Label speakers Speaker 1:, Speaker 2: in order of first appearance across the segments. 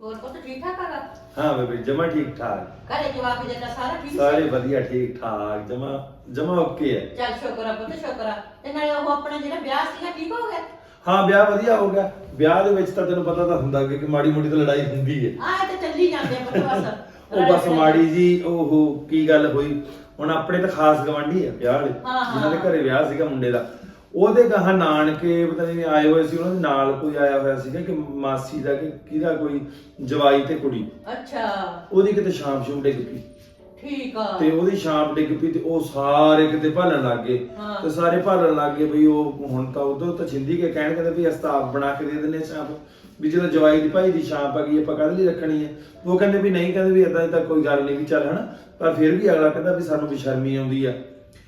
Speaker 1: ਹੋਰ ਪੁੱਤ ਠੀਕ ਠਾਕ ਹੈਗਾ?
Speaker 2: हाँ बेबी जमा ठीक ठाक
Speaker 1: ਘਰੇ ਜਵਾਕ ਜੱਟਾ ਸਾਰਾ ਠੀਕ
Speaker 2: सारे बढ़िया ठीक ठाक जमा जमा ओके है।
Speaker 1: ਚੱਲ ਸ਼ੁਕਰ ਆ ਪੁੱਤ ਸ਼ੁਕਰ ਆ। ਤੇ ਨਾਲੇ ਉਹ ਆਪਣਾ ਜਿਹੜਾ ਵਿਆਹ ਸੀਗਾ ਠੀਕ ਹੋ ਗਿਆ?
Speaker 2: ਹਾਂ ਵਿਆਹ ਵਧੀਆ ਹੋ ਗਿਆ। ਵਿਆਹ ਦੇ ਵਿੱਚ ਤਾਂ ਤੈਨੂੰ ਪਤਾ ਤਾਂ ਹੁੰਦਾ ਕਿ ਮਾੜੀ ਮੋਟੀ ਤਾਂ ਲੜਾਈ ਹੁੰਦੀ ਹੈ।
Speaker 1: ਆਹ ਤੇ ਚੱਲੀ ਜਾਂਦੇ ਆ ਪੁੱਤ ਬਸ।
Speaker 2: ਉਹ ਬਸ ਮਾੜੀ ਜੀ ਉਹ ਕੀ ਗੱਲ ਹੋਈ ਹੁਣ ਆਪਣੇ ਤਾਂ ਖਾਸ ਗਵਾਂਢੀ ਆ ਵਿਆਹ ਵਾਲੇ ਜਿਨ੍ਹਾਂ ਦੇ ਘਰੇ ਵਿਆਹ ਸੀਗਾ ਮੁੰਡੇ ਦਾ ਉਹਦੇ ਗਾਹਾਂ ਨਾਨਕੇ ਪਤਾ ਨਹੀਂ ਆਏ ਹੋਏ ਸੀ ਉਹਨਾਂ ਦੇ ਨਾਲ ਕੋਈ ਆਇਆ ਹੋਇਆ ਸੀਗਾ ਕਿ ਮਾਸੀ ਦਾ ਕਿ ਕਿਹਦਾ ਕੋਈ ਜਵਾਈ ਤੇ ਕੁੜੀ
Speaker 1: ਅੱਛਾ
Speaker 2: ਉਹਦੀ ਕਿਤੇ ਸ਼ਾਮ ਸ਼ੂਮ ਡਿੱਗ ਪਈ
Speaker 1: ਠੀਕ ਆ
Speaker 2: ਤੇ ਉਹਦੀ ਸ਼ਾਮ ਡਿੱਗ ਪਈ ਤੇ ਉਹ ਸਾਰੇ ਕਿਤੇ ਭਾਲਣ ਲੱਗ ਗਏ ਤੇ ਸਾਰੇ ਭਾਲਣ ਲੱਗ ਗਏ ਬਈ ਉਹ ਹੁਣ ਤਾਂ ਉਦੋਂ ਤਾਂ ਛਿੰਦੀ ਕੇ ਕਹਿਣ ਕਹਿੰਦੇ ਵੀ ਅਸਤਾਬ ਬਣਾ ਕੇ ਦੇ ਦਿੰਦੇ ਸ਼ਾਮ ਵੀ ਜਦੋਂ ਜਵਾਈ ਦੀ ਭਾਈ ਦੀ ਸ਼ਾਮ ਆ ਗਈ ਆਪਾਂ ਕਾਹਦੇ ਲਈ ਰੱਖਣੀ ਹੈ ਉਹ ਕਹਿੰਦੇ ਵੀ ਨਹੀਂ ਕਹਿੰਦੇ ਵੀ ਇਦਾਂ ਤਾਂ ਕੋਈ ਗੱਲ ਨਹੀਂ ਵੀ ਚੱਲ ਹਨਾ ਪਰ ਫਿਰ ਵੀ ਅਗਲਾ ਕਹਿੰਦਾ ਵੀ ਸਾਨੂੰ ਵੀ ਸ਼ਰਮੀ ਆਉਂਦੀ ਆ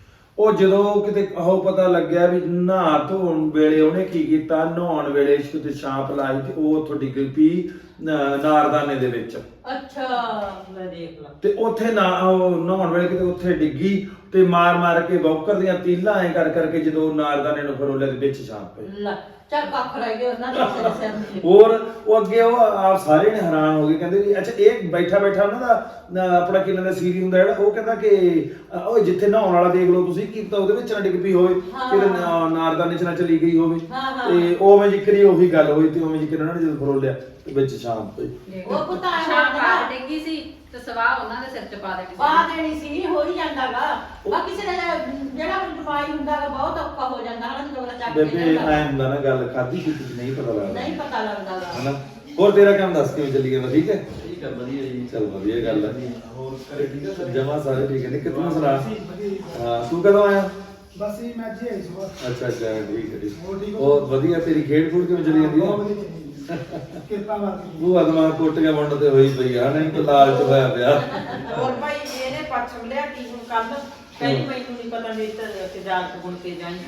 Speaker 2: ਉਹ ਜਦੋਂ ਕਿਤੇ ਉਹ ਪਤਾ ਲੱਗਿਆ ਵੀ ਨਹਾ ਧੋਣ ਵੇਲੇ ਉਹਨੇ ਕੀ ਕੀਤਾ ਨਹਾਉਣ ਵੇਲੇ ਕਿਤੇ ਛਾਪ ਲਾਈ ਤੇ ਉਹ ਉੱਥੋਂ ਡਿੱਗ ਪਈ ਨਾਰਦਾਨੇ ਦੇ ਵਿੱਚ
Speaker 1: ਅੱਛਾ ਮੈਂ ਦੇਖ ਲਾ
Speaker 2: ਤੇ ਉੱਥੇ ਨਾ ਉਹ ਨਹਾਉਣ ਵੇਲੇ ਕਿਤੇ ਉੱਥੇ ਡਿੱਗੀ ਤੇ ਮਾਰ ਕੇ ਬੌਕਰ ਦੀਆਂ ਤੀਲਾਂ ਐ ਕਰਕੇ ਜਦੋਂ ਨਾਰਦਾਨੇ ਨੂੰ ਫਰੋਲਿਆ ਦੇ ਵਿੱਚ ਛਾਪ ਪਈ
Speaker 1: ਲੈ ਚੱਲ ਕੱਖ ਰਹਿ ਗਏ ਉਹਨਾਂ ਦੇ ਸਿਰ ਤੇ
Speaker 2: ਹੋਰ ਉਹ ਅੱਗੇ ਉਹ ਆਪ ਸਾਰੇ ਨੇ ਹੈਰਾਨ ਹੋ ਗਏ ਕਹਿੰਦੇ ਵੀ ਅੱਛਾ ਇਹ ਬੈਠਾ ਉਹਨਾਂ ਦਾ ਆਪਣਾ ਕਿੰਨਾ ਦਾ ਸੀਰੀ ਹੁੰਦਾ ਜਿਹੜਾ ਉਹ ਕਹਿੰਦਾ ਕਿ ਉਹ ਜਿੱਥੇ ਨਹਾਉਣ ਵਾਲਾ ਦੇਖ ਲਓ ਤੁਸੀਂ ਕੀ ਪਤਾ ਉਹਦੇ ਵਿੱਚ ਨਾ ਡਿੱਗ ਪਈ ਹੋਵੇ ਕਿਤੇ ਨਾਰਦਾਨੇ ਚ ਨਾ ਚਲੀ ਗਈ ਹੋਵੇ ਤੇ ਉਵੇਂ ਜ਼ਿਕਰੀ ਉਹੀ ਗੱਲ ਹੋਈ ਤੇ ਉਵੇਂ ਜ਼ਿਕਰ ਉਹਨਾਂ ਨੇ ਜਦੋਂ ਫਰੋਲਿਆ ਤੇ ਵਿੱਚ ਸ਼ਾਮ ਪਈ
Speaker 1: ਉਹ ਪੁੱਤਾ
Speaker 3: ਸ਼ਾਮ ਪਾ ਡੇਗੀ ਸੀ ਤੇ ਸਵਾਹ ਉਹਨਾਂ ਦੇ ਸਿਰ ਚ ਪਾ ਦੇਣੀ
Speaker 1: ਪਾ ਦੇਣੀ ਸੀ ਹੋ ਹੀ ਜਾਂਦਾਗਾ ਬਾਕੀ ਕਿਸੇ ਦਾ ਜਿਹੜਾ ਦਵਾਈ ਹੁੰਦਾਗਾ ਬਹੁਤ ਔਖਾ ਹੋ ਜਾਂਦਾ ਹਨਾ ਜਦੋਂ ਚੱਕ ਕੇ
Speaker 2: ਬੇਬੇ ਐਂ ਹੁੰਦਾ ਨਾ ਗੱਲ ਖਾਦੀ ਕੀਤੀ ਨਹੀਂ ਪਤਾ ਲੱਗਦਾ
Speaker 1: ਨਹੀਂ ਪਤਾ ਲੱਗਦਾਗਾ
Speaker 2: ਹਨਾ ਹੋਰ ਤੇਰਾ ਕੰਮ ਦੱਸ ਕਿਵੇਂ ਚੱਲੀ ਜਾਂਦਾ ਠੀਕ ਹੈ
Speaker 4: ਠੀਕ ਹੈ ਵਧੀਆ ਜੀ
Speaker 2: ਚੱਲ ਵਧੀਆ ਗੱਲ ਹੈ
Speaker 4: ਹੋਰ ਘਰੇ ਠੀਕ ਹੈ ਸਾਰੇ?
Speaker 2: ਜਮਾ ਸਾਰੇ ਠੀਕ ਹੈ ਨਿੱਕੇ ਤੂੰ ਸੁਣਾ ਹਾਂ ਤੂੰ ਕਦੋਂ ਆਇਆ
Speaker 5: ਬਸ ਇਹ ਮੈਂ ਜੀ ਆਈ ਸੁਬਾ
Speaker 2: ਅੱਛਾ ਠੀਕ ਹੈ ਠੀਕ
Speaker 5: ਹੋਰ ਠੀਕ ਹੋ?
Speaker 2: ਹੋਰ ਵਧੀਆ ਤੇਰੀ ਖੇਡ ਖੂਡ ਕਿਵੇਂ ਚੱਲੀ ਜਾਂਦੀ
Speaker 5: ਬਹੁਤ
Speaker 2: ਹੈ
Speaker 5: ਵਧੀਆ ਚੱਲੀ। ਕਿਰਪਾ ਵਾਲੀ
Speaker 2: ਉਹ ਅਦਮਾ ਕੋਟੀਆਂ ਵੰਡ ਤੇ ਹੋਈ ਪਈ ਆ ਨਹੀਂ ਤਾਂ ਲਾਲਚ ਹੋਇਆ ਪਿਆ
Speaker 6: ਹੋਰ ਭਾਈ ਇਹਨੇ ਪੱਛਮ ਲਿਆ ਕੀ ਹੁਣ ਕੱਲ ਕਹਿੰਦੀ ਮੈਨੂੰ ਨਹੀਂ ਪਤਾ ਮੇਰੀ ਤਾਂ ਤਜਾਰਤ ਗੁਣ ਕੇ ਜਾਈ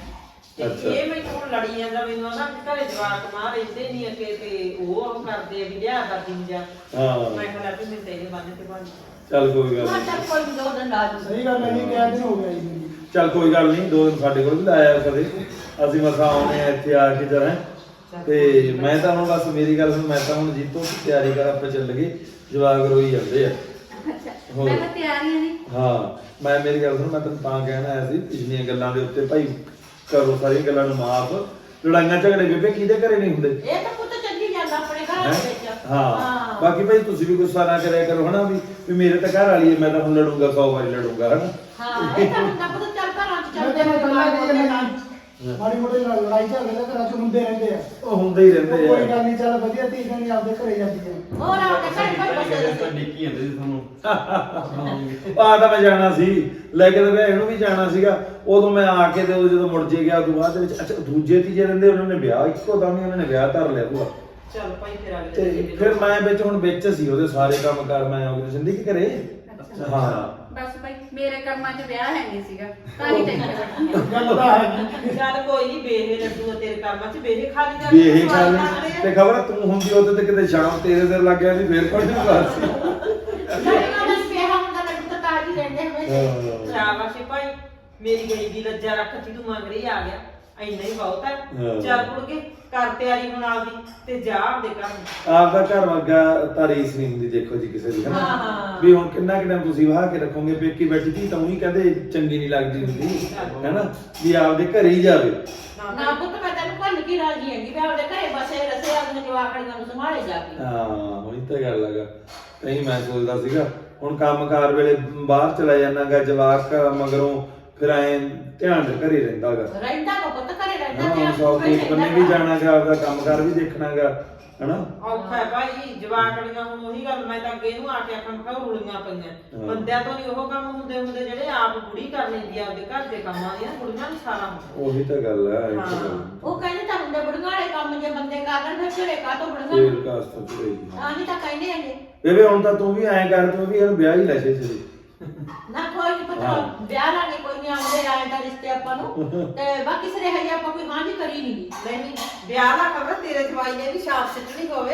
Speaker 6: ਤੇ ਇਹ ਮੈਨੂੰ ਹੁਣ ਲੜੀ ਜਾਂਦਾ ਮੈਨੂੰ ਨਾ ਘਰੇ ਜਵਾਕ ਮਾਂ ਰਹਿੰਦੇ ਨਹੀਂ ਅਕੇ ਤੇ ਉਹ ਕਰਦੇ ਆ ਵੀ ਲਿਆ ਦਾ ਦਿਨ ਜਾ
Speaker 2: ਹਾਂ
Speaker 6: ਮੈਂ ਕਿਹਾ ਵੀ ਮੈਂ ਤੇਰੇ ਬੰਨ ਤੇ ਬੰਨ
Speaker 2: ਚੱਲ ਕੋਈ ਗੱਲ
Speaker 1: ਹਾਂ
Speaker 2: ਨਹੀਂ
Speaker 1: ਚੱਲ ਕੋਈ ਦੋ ਦਿਨ ਲਾ ਦੂੰ
Speaker 5: ਸਹੀ ਗੱਲ ਹੈ ਜੀ ਕਿਹਾ ਦਿਨ ਹੋ ਗਿਆ ਜੀ
Speaker 2: ਚੱਲ ਕੋਈ ਗੱਲ ਨਹੀਂ ਦੋ ਦਿਨ ਸਾਡੇ ਕੋਲ ਵੀ ਲਾਇਆ ਕਦੇ ਅਸੀਂ ਮਸਾ ਆਉਣੇ ਆ ਇੱਥੇ ਆ ਕੇ ਜਰਾ ਤੇ ਮੈਂ ਤਾਂ ਹੁਣ ਬਸ ਮੇਰੀ ਗੱਲ ਸੁਣ ਮੈਂ ਤਾਂ ਹੁਣ ਜੀਤੋ ਦੀ ਤਿਆਰੀ ਕਰ ਆਪਾਂ ਚੱਲ ਗਏ ਜਵਾਕ ਰੋਈ ਜਾਂਦੇ ਆ
Speaker 3: ਅੱਛਾ ਮੈਂ ਤਾਂ ਤਿਆਰੀਆਂ ਨਹੀਂ
Speaker 2: ਹਾਂ ਮੈਂ ਮੇਰੀ ਗੱਲ ਸੁਣ ਮੈਂ ਤੈਨੂੰ ਤਾਂ ਕਹਿਣਾ ਆਇਆ ਸੀ ਪਿਛਲੀਆਂ ਗੱਲਾਂ ਦੇ ਉੱਤੇ ਭਾਈ ਕਰੋ ਸਾਰੀਆਂ ਗੱਲਾਂ ਨੂੰ ਮਾਫ ਲੜਾਈਆਂ ਝਗੜੇ ਬੇਬੇ ਕਿਹਦੇ ਘਰੇ ਨਹੀਂ ਹੁੰਦੇ
Speaker 1: ਇਹ ਤਾਂ ਪੁੱਤ ਚੱਲੀ ਜਾਂਦਾ ਆਪਣੇ ਘਰ ਦੇ ਵਿੱਚ
Speaker 2: ਹਾਂ ਬਾਕੀ ਭਾਈ ਤੁਸੀਂ ਵੀ ਗੁੱਸਾ ਨਾ ਕਰਿਆ ਕਰੋ ਹਨਾ ਵੀ ਮੇਰੇ ਤਾਂ ਘਰ ਵਾਲੀ ਹੈ ਮੈਂ ਤਾਂ ਹੁਣ ਲੜੂੰਗਾ 100 ਵਾਰੀ ਲੜੂੰਗਾ ਹਨਾ
Speaker 1: ਹਾਂ ਇਹ ਤਾਂ ਹੁੰਦਾ ਪੁੱਤ ਚੱਲ ਘਰਾਂ ਚ
Speaker 5: ਮੈਂ
Speaker 1: ਚੱਲਦੇ
Speaker 5: ਤੈਨੂੰ ਪਹਿਲਾਂ
Speaker 1: ਨੇ
Speaker 5: ਕਹੀ ਜਾਂਦਾ ਮਾੜੀ ਮੋਟੀ ਲੜਾਈ ਝਗੜੇ ਤਾਂ ਘਰਾਂ ਚ ਹੁੰਦੇ ਰਹਿੰਦੇ ਆ
Speaker 2: ਉਹ ਹੁੰਦੇ ਹੀ ਰਹਿੰਦੇ
Speaker 5: ਕੋਈ
Speaker 2: ਆ
Speaker 5: ਗੱਲ ਨਹੀਂ ਚੱਲ ਵਧੀਆ ਧੀ ਨਹੀਂ ਆਪਦੇ ਘਰੇ ਜਾਂਦੀ ਹੈ
Speaker 1: ਹੋਰ ਆਪਣੇ ਘਰ ਪਰ ਬਸੇ
Speaker 4: ਤਾਂ ਡਿੱਕੀ ਜਾਂਦੇ ਸੀ ਤੁਹਾਨੂੰ
Speaker 2: ਆ ਤਾਂ ਮੈਂ ਜਾਣਾ ਸੀ ਲੈ ਕੇ ਤਾਂ ਇਹਨੂੰ ਵੀ ਜਾਣਾ ਸੀਗਾ ਉਦੋਂ ਮੈਂ ਆ ਕੇ ਤੇ ਉਦੋਂ ਜਦੋਂ ਮੁੜ ਜੇ ਗਿਆ ਉਦੋਂ ਬਾਅਦ ਦੇ ਵਿੱਚ ਅੱਛਾ ਦੂਜੇ ਤੀਜੇ ਦਿਨ ਦੇ ਉਹਨਾਂ ਨੇ ਵਿਆਹ ਇੱਕੋ ਦਮ ਹੀ ਉਹਨਾਂ ਨੇ ਵਿਆਹ ਧਰ ਲਿਆ ਭੂਆ
Speaker 6: ਚੱਲ ਭਾਈ ਫਿਰ ਅਗਲੇ
Speaker 2: ਤੇ
Speaker 6: ਦਿਨ
Speaker 2: ਫਿਰ ਮੈਂ ਵਿੱਚ ਹੁਣ ਵਿੱਚ ਸੀ ਉਹਦੇ ਸਾਰੇ ਕੰਮ ਕਰ ਮੈਂ ਆਉਂਦੀ ਜ਼ਿੰਦਗੀ ਕਰੇ ਹਾਂ
Speaker 3: ਬਸ ਭਾਈ ਮੇਰੇ ਕਰਮਾਂ 'ਚ ਵਿਆਹ ਹੈ ਨਹੀਂ ਸੀਗਾ ਤਾਂ ਹੀ ਟੈਨਸ਼ਨ ਬੈਠੀ
Speaker 5: ਗੱਲ ਤਾਂ ਹੈ
Speaker 6: ਚੱਲ ਕੋਈ ਨਹੀਂ ਬੇਹੇ ਲੱਡੂ ਤੇਰੇ ਕੰਮਾਂ ਚ ਬੇਹੇ ਖਾਲੀ ਜਾ
Speaker 2: ਵੀ ਇਹ ਗੱਲ ਤੇ ਖਬਰ ਤੂੰ ਹੁੰਦੀ ਉਹਦੇ ਤੇ ਕਿਤੇ ਸ਼ਾਮ ਤੇਰੇ ਸਿਰ ਲੱਗ ਗਿਆ ਸੀ ਫੇਰ ਕੋਈ ਨਹੀਂ ਬਾਤ ਸੀ
Speaker 1: ਲੜੀਆਂ ਦਾ ਪਿਆ ਹੁੰਦਾ ਲੱਡੂ ਤਾਂ ਤਾਜੀ ਰਹਿੰਦੇ ਹਮੇਸ਼ਾ
Speaker 6: ਸ਼ਾਬਾਸ਼ ਏ ਭਾਈ ਮੇਰੀ ਗਈ ਦੀ ਲੱਜਾ ਰੱਖਤੀ ਤੂੰ ਮੰਗ ਰਹੀ ਆ ਗਿਆ ਇੰਨਾ ਹੀ ਬਹੁਤ ਹੈ
Speaker 2: ਹਾਂ।
Speaker 6: ਚੱਲ ਕੁੜ ਕੇ ਕਰ ਤਿਆਰੀ ਹੁਣ ਆਪਦੀ ਤੇ ਜਾ ਆਪਦੇ ਘਰ
Speaker 2: ਆਪਦਾ ਘਰ ਵਰਗਾ ਤਾਂ ਰੀਸ ਨਹੀਂ ਹੁੰਦੀ ਦੇਖੋ ਜੀ ਕਿਸੇ ਦੀ ਹਨਾ
Speaker 1: ਹਾਂ।
Speaker 2: ਵੀ ਹੁਣ ਕਿੰਨਾ ਤੁਸੀਂ ਵਾਹ ਕੇ ਰੱਖੋਗੇ ਪੇਕੀ ਬੈਠੀ ਧੀ ਤਾਂ ਉਹੀ ਕਹਿੰਦੇ ਚੰਗੀ ਨਹੀਂ ਲੱਗਦੀ ਹੁੰਦੀ ਹੈਨਾ ਵੀ ਆਪਦੇ ਘਰੇ ਹੀ ਜਾਵੇ
Speaker 1: ਨਾ ਪੁੱਤ ਮੈਂ ਤੈਨੂੰ ਭੁੱਲ ਕੀ ਰਾਜੀ ਹੈਗੀ ਵੀ ਆਪਣੇ ਘਰੇ ਬਸੇ ਰਸੇ ਆਪਣੇ ਜਵਾਕੜੀਆਂ ਨੂੰ ਸੰਭਾਲੇ ਜਾ ਕੇ
Speaker 2: ਹਾਂ ਉਹੀ ਤਾਂ ਗੱਲ ਹੈਗਾ ਨਹੀਂ ਮੈਂ ਸੋਚਦਾ ਸੀਗਾ ਹੁਣ ਕੰਮਕਾਰ ਵੇਲੇ ਬਾਹਰ ਚਲਾ ਜਾਣਾਗਾ ਜਵਾਕ ਮਗਰੋਂ ਫਿਰ ਐ ਧਿਆਨ ਦੇ ਘਰੇ ਰਹਿੰਦਾਗਾ
Speaker 1: ਰਹਿੰਦਾ ਕੋ ਪੁੱਤ ਘਰੇ ਰਹਿੰਦਾ
Speaker 2: ਹਾਂ
Speaker 1: ਤੇ
Speaker 2: ਹੁਣ ਸੌ ਕੋਟ ਬੰਨੇ ਵੀ ਜਾਣਾਗਾ ਆਪਦਾ ਕੰਮਕਾਰ ਵੀ ਦੇਖਣਾਗਾ ਹਨਾ
Speaker 6: ਔਖਾ ਹੈ ਭਾਈ ਜਵਾਕੜੀਆਂ ਹੁਣ ਉਹੀ ਗੱਲ ਮੈਂ ਤਾਂ ਅੱਗੇ ਨੂੰ ਆ ਕੇ ਆਖਣ ਖਾ ਰੁਲੀਆਂ ਪਈਆਂ ਬੰਦਿਆਂ ਤੋਂ ਨਹੀਂ ਉਹ ਕੰਮ ਹੁੰਦੇ ਜਿਹੜੇ ਆਪ ਬੁੜੀ ਕਰ ਲੈਂਦੀ ਆ ਆਪਦੇ ਘਰ ਦੇ ਕੰਮਾਂ ਦੀਆਂ ਕੁੜੀਆਂ ਨੂੰ ਸਾਰਾ ਹੁੰਦਾ
Speaker 2: ਉਹੀ ਤਾਂ ਗੱਲ ਹੈ ਇਹ ਤਾਂ ਗੱਲ
Speaker 1: ਉਹ ਕਹਿੰਦੇ ਤਾਂ ਹੁੰਦੇ ਬੁੜੀਆਂ ਵਾਲੇ ਕੰਮ ਜੇ ਬੰਦੇ ਕਰ ਲੈਣ ਫਿਰ ਘਰੇ ਕਾ ਤੋਂ ਬੁੜੀਆਂ
Speaker 2: ਫੇਰ ਕਾਸ ਤੋਂ ਹੋਈ
Speaker 1: ਆਹੀ ਤਾਂ ਕਹਿੰਦੇ ਹੈਗੇ
Speaker 2: ਬੇਬੇ ਹੁਣ ਤਾਂ ਤੂੰ ਵੀ ਐਂ ਕਰ ਤੂੰ ਵੀ ਇਹਨੂੰ ਵਿਆਹ ਹੀ ਲੈ ਛੇ
Speaker 1: ਨਾ ਕੋਈ ਨਹੀਂ ਪਤਾ ਵਿਆਹ ਲਾਂਗੇ ਕੋਈ ਨਹੀਂ ਆਉਂਦੇ ਆਏ ਤਾਂ ਰਿਸ਼ਤੇ ਆਪਾਂ ਨੂੰ ਤੇ ਬਾਕੀ ਸਾਰੇ ਹਜੇ ਆਪਾਂ ਕੋਈ ਹਾਂ ਨਹੀਂ ਕਰੀ ਨਹੀਂ
Speaker 6: ਨਹੀਂ ਵਿਆਹ ਦਾ ਖਬਰ ਤੇਰੇ ਜਵਾਈ ਨੇ ਵੀ ਛਾਪ ਸਿੱਟਣੀ ਹੋਵੇ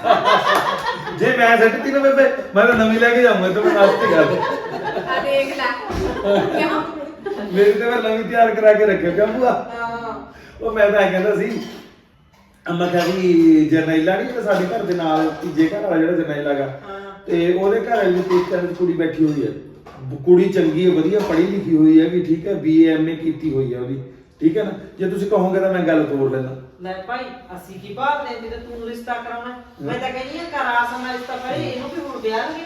Speaker 2: ਜੇ ਮੈਂ ਸੱਟਤੀ ਨਾ ਬੇਬੇ ਮੈਂ ਤਾਂ ਨਵੀਂ ਲੈ ਕੇ ਜਾਊਂਗਾ ਤੂੰ ਮੈਨੂੰ ਨਾਸਤੇ ਕਰ
Speaker 3: ਆ ਦੇਖ ਲੈ ਕਿਉਂ
Speaker 2: ਮੇਰੀ ਤਾਂ ਮੈਂ ਨਵੀਂ ਤਿਆਰ ਕਰਾ ਕੇ ਰੱਖਿਆ ਕਿਉਂ ਭੂਆ
Speaker 6: ਹਾਂ
Speaker 2: ਉਹ ਮੈਂ ਤਾਂ ਐਂ ਕਹਿੰਦਾ ਸੀ ਮੈਂ ਕਿਹਾ ਵੀ ਜਰਨੈਲਾ ਨਹੀਂ ਜਿਹੜਾ ਸਾਡੇ ਘਰ ਦੇ ਨਾਲ ਤੀਜੇ ਘਰ ਵਾਲਾ ਜਿਹੜਾ ਜਰਨੈਲਾ ਗਾ ਤੇ ਉਹਦੇ ਘਰ ਵਾਲੀ ਪੇਕਿਆਂ ਵਿੱਚ ਕੁੜੀ ਬੈਠੀ ਹੋਈ ਹੈ। ਕੁੜੀ ਚੰਗੀ ਹੈ, ਵਧੀਆ ਪੜ੍ਹੀ ਲਿਖੀ ਹੋਈ ਹੈ ਵੀ ਠੀਕ ਹੈ, BA MA ਕੀਤੀ ਹੋਈ ਹੈ ਉਹਦੀ, ਠੀਕ ਹੈ ਨਾ। ਜੇ ਤੁਸੀਂ ਕਹੋਗੇ ਤਾਂ ਮੈਂ ਗੱਲ ਤੋੜ ਲੈਂਦਾ।
Speaker 6: ਲੈ ਭਾਈ ਅਸੀਂ ਕੀ ਭਾਵ ਨੇ ਜਦੋਂ ਤੂੰ ਰਿਸ਼ਤਾ ਕਰਾਉਣਾ, ਮੈਂ ਤਾਂ ਕਹਿੰਦੀ ਆ ਕਰ ਆਸਨ ਰਿਸ਼ਤਾ ਕਰੇ, ਇਹਨੂੰ ਵੀ ਹੁਣ ਵਿਆਹਾਂਗੇ।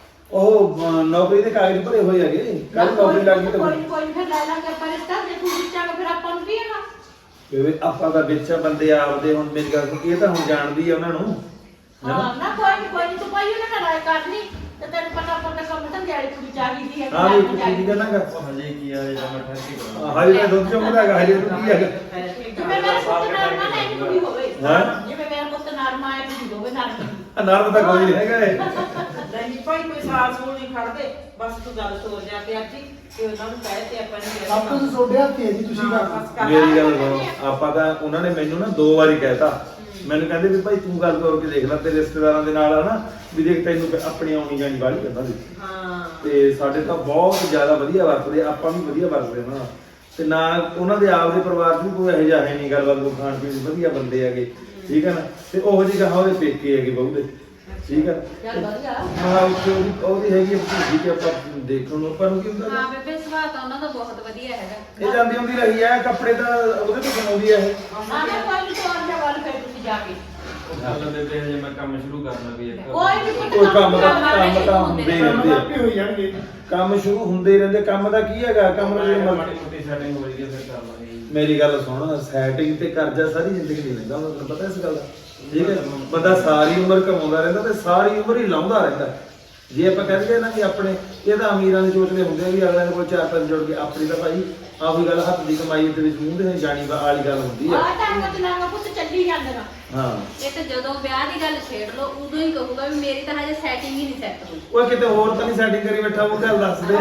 Speaker 2: ਉਹ ਨੌਕਰੀ ਦੇ ਕਾਗਜ਼ ਭਰੇ ਹੋਏ ਹੈਗੇ, ਕੱਲ ਨੌਕਰੀ ਲੱਗ ਗਈ ਤਾਂ
Speaker 1: ਕੋਈ ਫਿਰ ਲੈ ਲਾਂਗੇ ਪਰ ਰਿਸ਼ਤਾ ਜੇ ਤੂੰ ਵਿੱਚਾਂਗੇ ਫਿਰ ਆਪਾਂ ਨੂੰ ਕੀ ਹੈਗਾ।
Speaker 2: ਬੇਬੇ ਆਪਾਂ ਦਾ ਵਿੱਚ ਬੰਦੇ ਆਪਦੇ, ਹੁਣ ਮੇਰੀ ਗੱਲ ਸੁਣ, ਇਹ ਤਾਂ ਹੁਣ ਜਾਣਦੀ ਆ ਉਹਨਾਂ ਨੂੰ।
Speaker 1: ਹਾਂ ਨਾ ਕੋਈ ਨਹੀਂ ਤੂੰ ਭਾਈ ਉਹਨਾਂ ਨਾਲ ਰਾਏ ਕਰ ਲਈ ਤੇ ਤੈਨੂੰ ਪਤਾ ਆਪਾਂ ਦਾ ਕੰਮ ਤਾਂ ਦਿਹਾੜੀ ਪੂਰੀ ਚਾਹੀਦੀ ਹੈ।
Speaker 2: ਹਾਂ ਵੀ ਕੀ ਕਰਨਾਗਾ
Speaker 4: ਹਜੇ ਕੀ ਆ ਜਾਂ ਮੈਂ ਠਹਿਰ ਕੇ ਕਰਾਂਗਾ।
Speaker 2: ਹਜੇ ਤਾਂ ਦੁੱਧ ਚੋਂਦਾ ਹੈਗਾ, ਹਜੇ ਤਾਂ ਕੀ ਹੈਗਾ।
Speaker 1: ਜਿਵੇਂ ਮੇਰਾ ਪੁੱਤ ਨਰਮਾ ਨਹੀਂ ਕੁੜੀ ਹੋਵੇ, ਜਿਵੇਂ ਮੇਰਾ ਪੁੱਤ ਨਰਮਾ ਹੈ ਕੁੜੀ ਹੋਵੇ ਨਰਮੀ।
Speaker 2: ਨਰਮ ਤਾਂ ਕੋਈ ਨਹੀਂ ਹੈਗਾ ਇਹ।
Speaker 6: ਨਹੀਂ ਭਾਈ ਕੋਈ ਸਾਲ ਸੂਲ ਨਹੀਂ ਖੜਦੇ, ਬਸ ਤੂੰ ਗੱਲ ਤੋਰ ਜਾ ਕੇ ਅੱਜ ਹੀ ਤੇ ਉਹਨਾਂ ਨੂੰ ਕਹਿ ਤੇ ਆਪਾਂ ਨੇ
Speaker 5: ਸਭ ਕੁਝ ਤੁਹਾਡੇ ਹੱਥ ਹੀ ਹੈ ਜੀ, ਤੁਸੀਂ ਕਰ
Speaker 2: ਮੇਰੀ ਗੱਲ ਸੁਣੋ, ਆਪਾਂ ਤਾਂ ਉਹਨਾਂ ਨੇ ਮੈਨੂੰ ਨਾ 2 ਵਾਰੀ ਕਹਿਤਾ, ਮੈਨੂੰ ਕਹਿੰਦੇ ਵੀ ਭਾਈ ਤੂੰ ਗੱਲ ਤੋਰ ਕੇ ਦੇਖ ਲੈ ਤੇਰੇ ਰਿਸ਼ਤੇਦਾਰਾਂ ਦੇ ਨਾਲ ਹਨਾ, ਵੀ ਦੇਖ ਤੈਨੂੰ ਆਪਣੀ ਆਉਣੀ ਜਾਣੀ ਵਾਲੀ ਕਹਿੰਦਾ ਸੀ।
Speaker 6: ਹਾਂ
Speaker 2: ਤੇ ਸਾਡੇ ਤਾਂ ਬਹੁਤ ਜ਼ਿਆਦਾ ਵਧੀਆ ਵਰਤਦੇ, ਆਪਾਂ ਵੀ ਵਧੀਆ ਵਰਤਦੇ ਉਹਨਾਂ ਨਾਲ, ਤੇ ਨਾ ਉਹਨਾਂ ਦੇ ਆਪ ਦੇ ਪਰਿਵਾਰ 'ਚ ਵੀ ਕੋਈ ਇਹੋ ਜਿਹਾ ਹੈ ਨਹੀਂ ਗੱਲਬਾਤ, ਕੋਈ ਖਾਣ ਪੀਣ ਦੇ ਵਧੀਆ ਬੰਦੇ ਹੈਗੇ, ਠੀਕ ਹੈ ਨਾ। ਤੇ ਉਹੋ ਜਿਹੀ ਕਹਾ ਉਹਦੇ ਪੇਕੇ ਹੈਗੇ ਬਹੁ ਦੇ, ਠੀਕ ਹੈ।
Speaker 1: ਚੱਲ ਵਧੀਆ।
Speaker 2: ਹਾਂ ਉਹਦੀ ਹੈਗੀ ਭਤੀਜੀ ਕਿ ਆਪਾਂ ਦੇਖਣ ਨੂੰ ਆਪਾਂ ਨੂੰ ਕੀ ਹੁੰਦਾ।
Speaker 3: ਹਾਂ ਬੇਬੇ ਸੁਭਾਅ ਤਾਂ ਉਹਨਾਂ ਦਾ ਬਹੁਤ ਵਧੀਆ ਹੈਗਾ।
Speaker 2: ਇਹ ਜਾਂਦੀ ਹੁੰਦੀ ਰਹੀ ਹੈ, ਕੱਪੜੇ ਤਾਂ ਉਹਦੇ ਤੋਂ ਬਣਾਉਂਦੀ ਹੈ ਇਹ।
Speaker 1: ਹਾਂ ਨਾ ਕੋਈ ਨਹੀਂ ਤੋਰ ਜਾ ਵੱਲ ਫਿਰ ਤੁਸੀਂ ਜਾ ਕੇ
Speaker 4: ਚੱਲ ਬੇਬੇ ਹਜੇ ਮੈਂ ਕੰਮ ਸ਼ੁਰੂ ਕਰਨਾ ਵੀ ਇੱਕ।
Speaker 1: ਕੋਈ ਨਹੀਂ
Speaker 2: ਕੋਈ ਕੰਮ ਤਾਂ ਹੁੰਦੇ ਹੀ ਰਹਿੰਦੇ ਆ।
Speaker 5: ਆਪੇ ਹੋਈ ਜਾਣਗੇ।
Speaker 2: ਕੰਮ ਸ਼ੁਰੂ ਹੁੰਦੇ ਹੀ ਰਹਿੰਦੇ, ਕੰਮ ਦਾ ਕੀ ਹੈਗਾ, ਕੰਮ ਨੂੰ ਜੇ
Speaker 4: ਮਾੜੀ ਮੋਟੀ ਸੈਟਿੰਗ ਹੋ ਰਹੀ ਹੈ ਫਿਰ ਕਰ ਲਾਂਗੇ।
Speaker 2: ਮੇਰੀ ਗੱਲ ਸੁਣ, ਸੈਟਿੰਗ ਤੇ ਕਰਜ਼ਾ ਸਾਰੀ ਜ਼ਿੰਦਗੀ ਨਹੀਂ ਲੈਂਦਾ, ਤੁਹਾਨੂੰ ਪਤਾ ਇਸ ਗੱਲ ਦਾ, ਠੀਕ ਹੈ। ਬੰਦਾ ਸਾਰੀ ਉਮਰ ਕਮਾਉਂਦਾ ਰਹਿੰਦਾ ਤੇ ਸਾਰੀ ਉਮਰ ਹੀ ਲਾਉਂਦਾ ਰਹਿੰਦਾ। ਜੇ ਆਪਾਂ ਕਹਿੰਦੇ ਨਾ ਕਿ ਆਪਣੇ ਇਹ ਤਾਂ ਅਮੀਰਾਂ ਦੇ ਚੋਚਲੇ ਹੁੰਦੇ ਆ ਵੀ ਅਗਲੇ ਦੇ ਕੋਲ 4 ਪੈਸੇ ਜੁੜ ਕੇ, ਆਪਣੀ ਤਾਂ ਭਾਈ ਆਹੀ ਗੱਲ ਹੱਥ ਦੀ ਕਮਾਈ ਦੇ ਵਿੱਚ ਮੂੰਹ ਦੇ ਜਾਣੀ ਵਾਲੀ ਗੱਲ ਹੁੰਦੀ ਆ।
Speaker 1: ਆ ਤਾਂ ਚਲਾਂਗਾ ਪੁੱਤ ਚੱਲੀ ਜਾਂਦਾ।
Speaker 2: ਹਾਂ
Speaker 3: ਇਹ ਤਾਂ ਜਦੋਂ ਵਿਆਹ ਦੀ ਗੱਲ ਛੇੜ ਲਓ ਉਦੋਂ ਹੀ ਕਹੂਗਾ ਵੀ ਮੇਰੀ ਤਾਂ ਹਜੇ ਸੈਟਿੰਗ ਹੀ ਨਹੀਂ ਸੈੱਟ ਹੋਈ।
Speaker 2: ਓਏ ਕਿਤੇ ਹੋਰ ਤਾਂ ਨਹੀਂ ਸੈਟਿੰਗ ਕਰੀ ਬੈਠਾ, ਉਹ ਗੱਲ ਦੱਸ ਦੇ।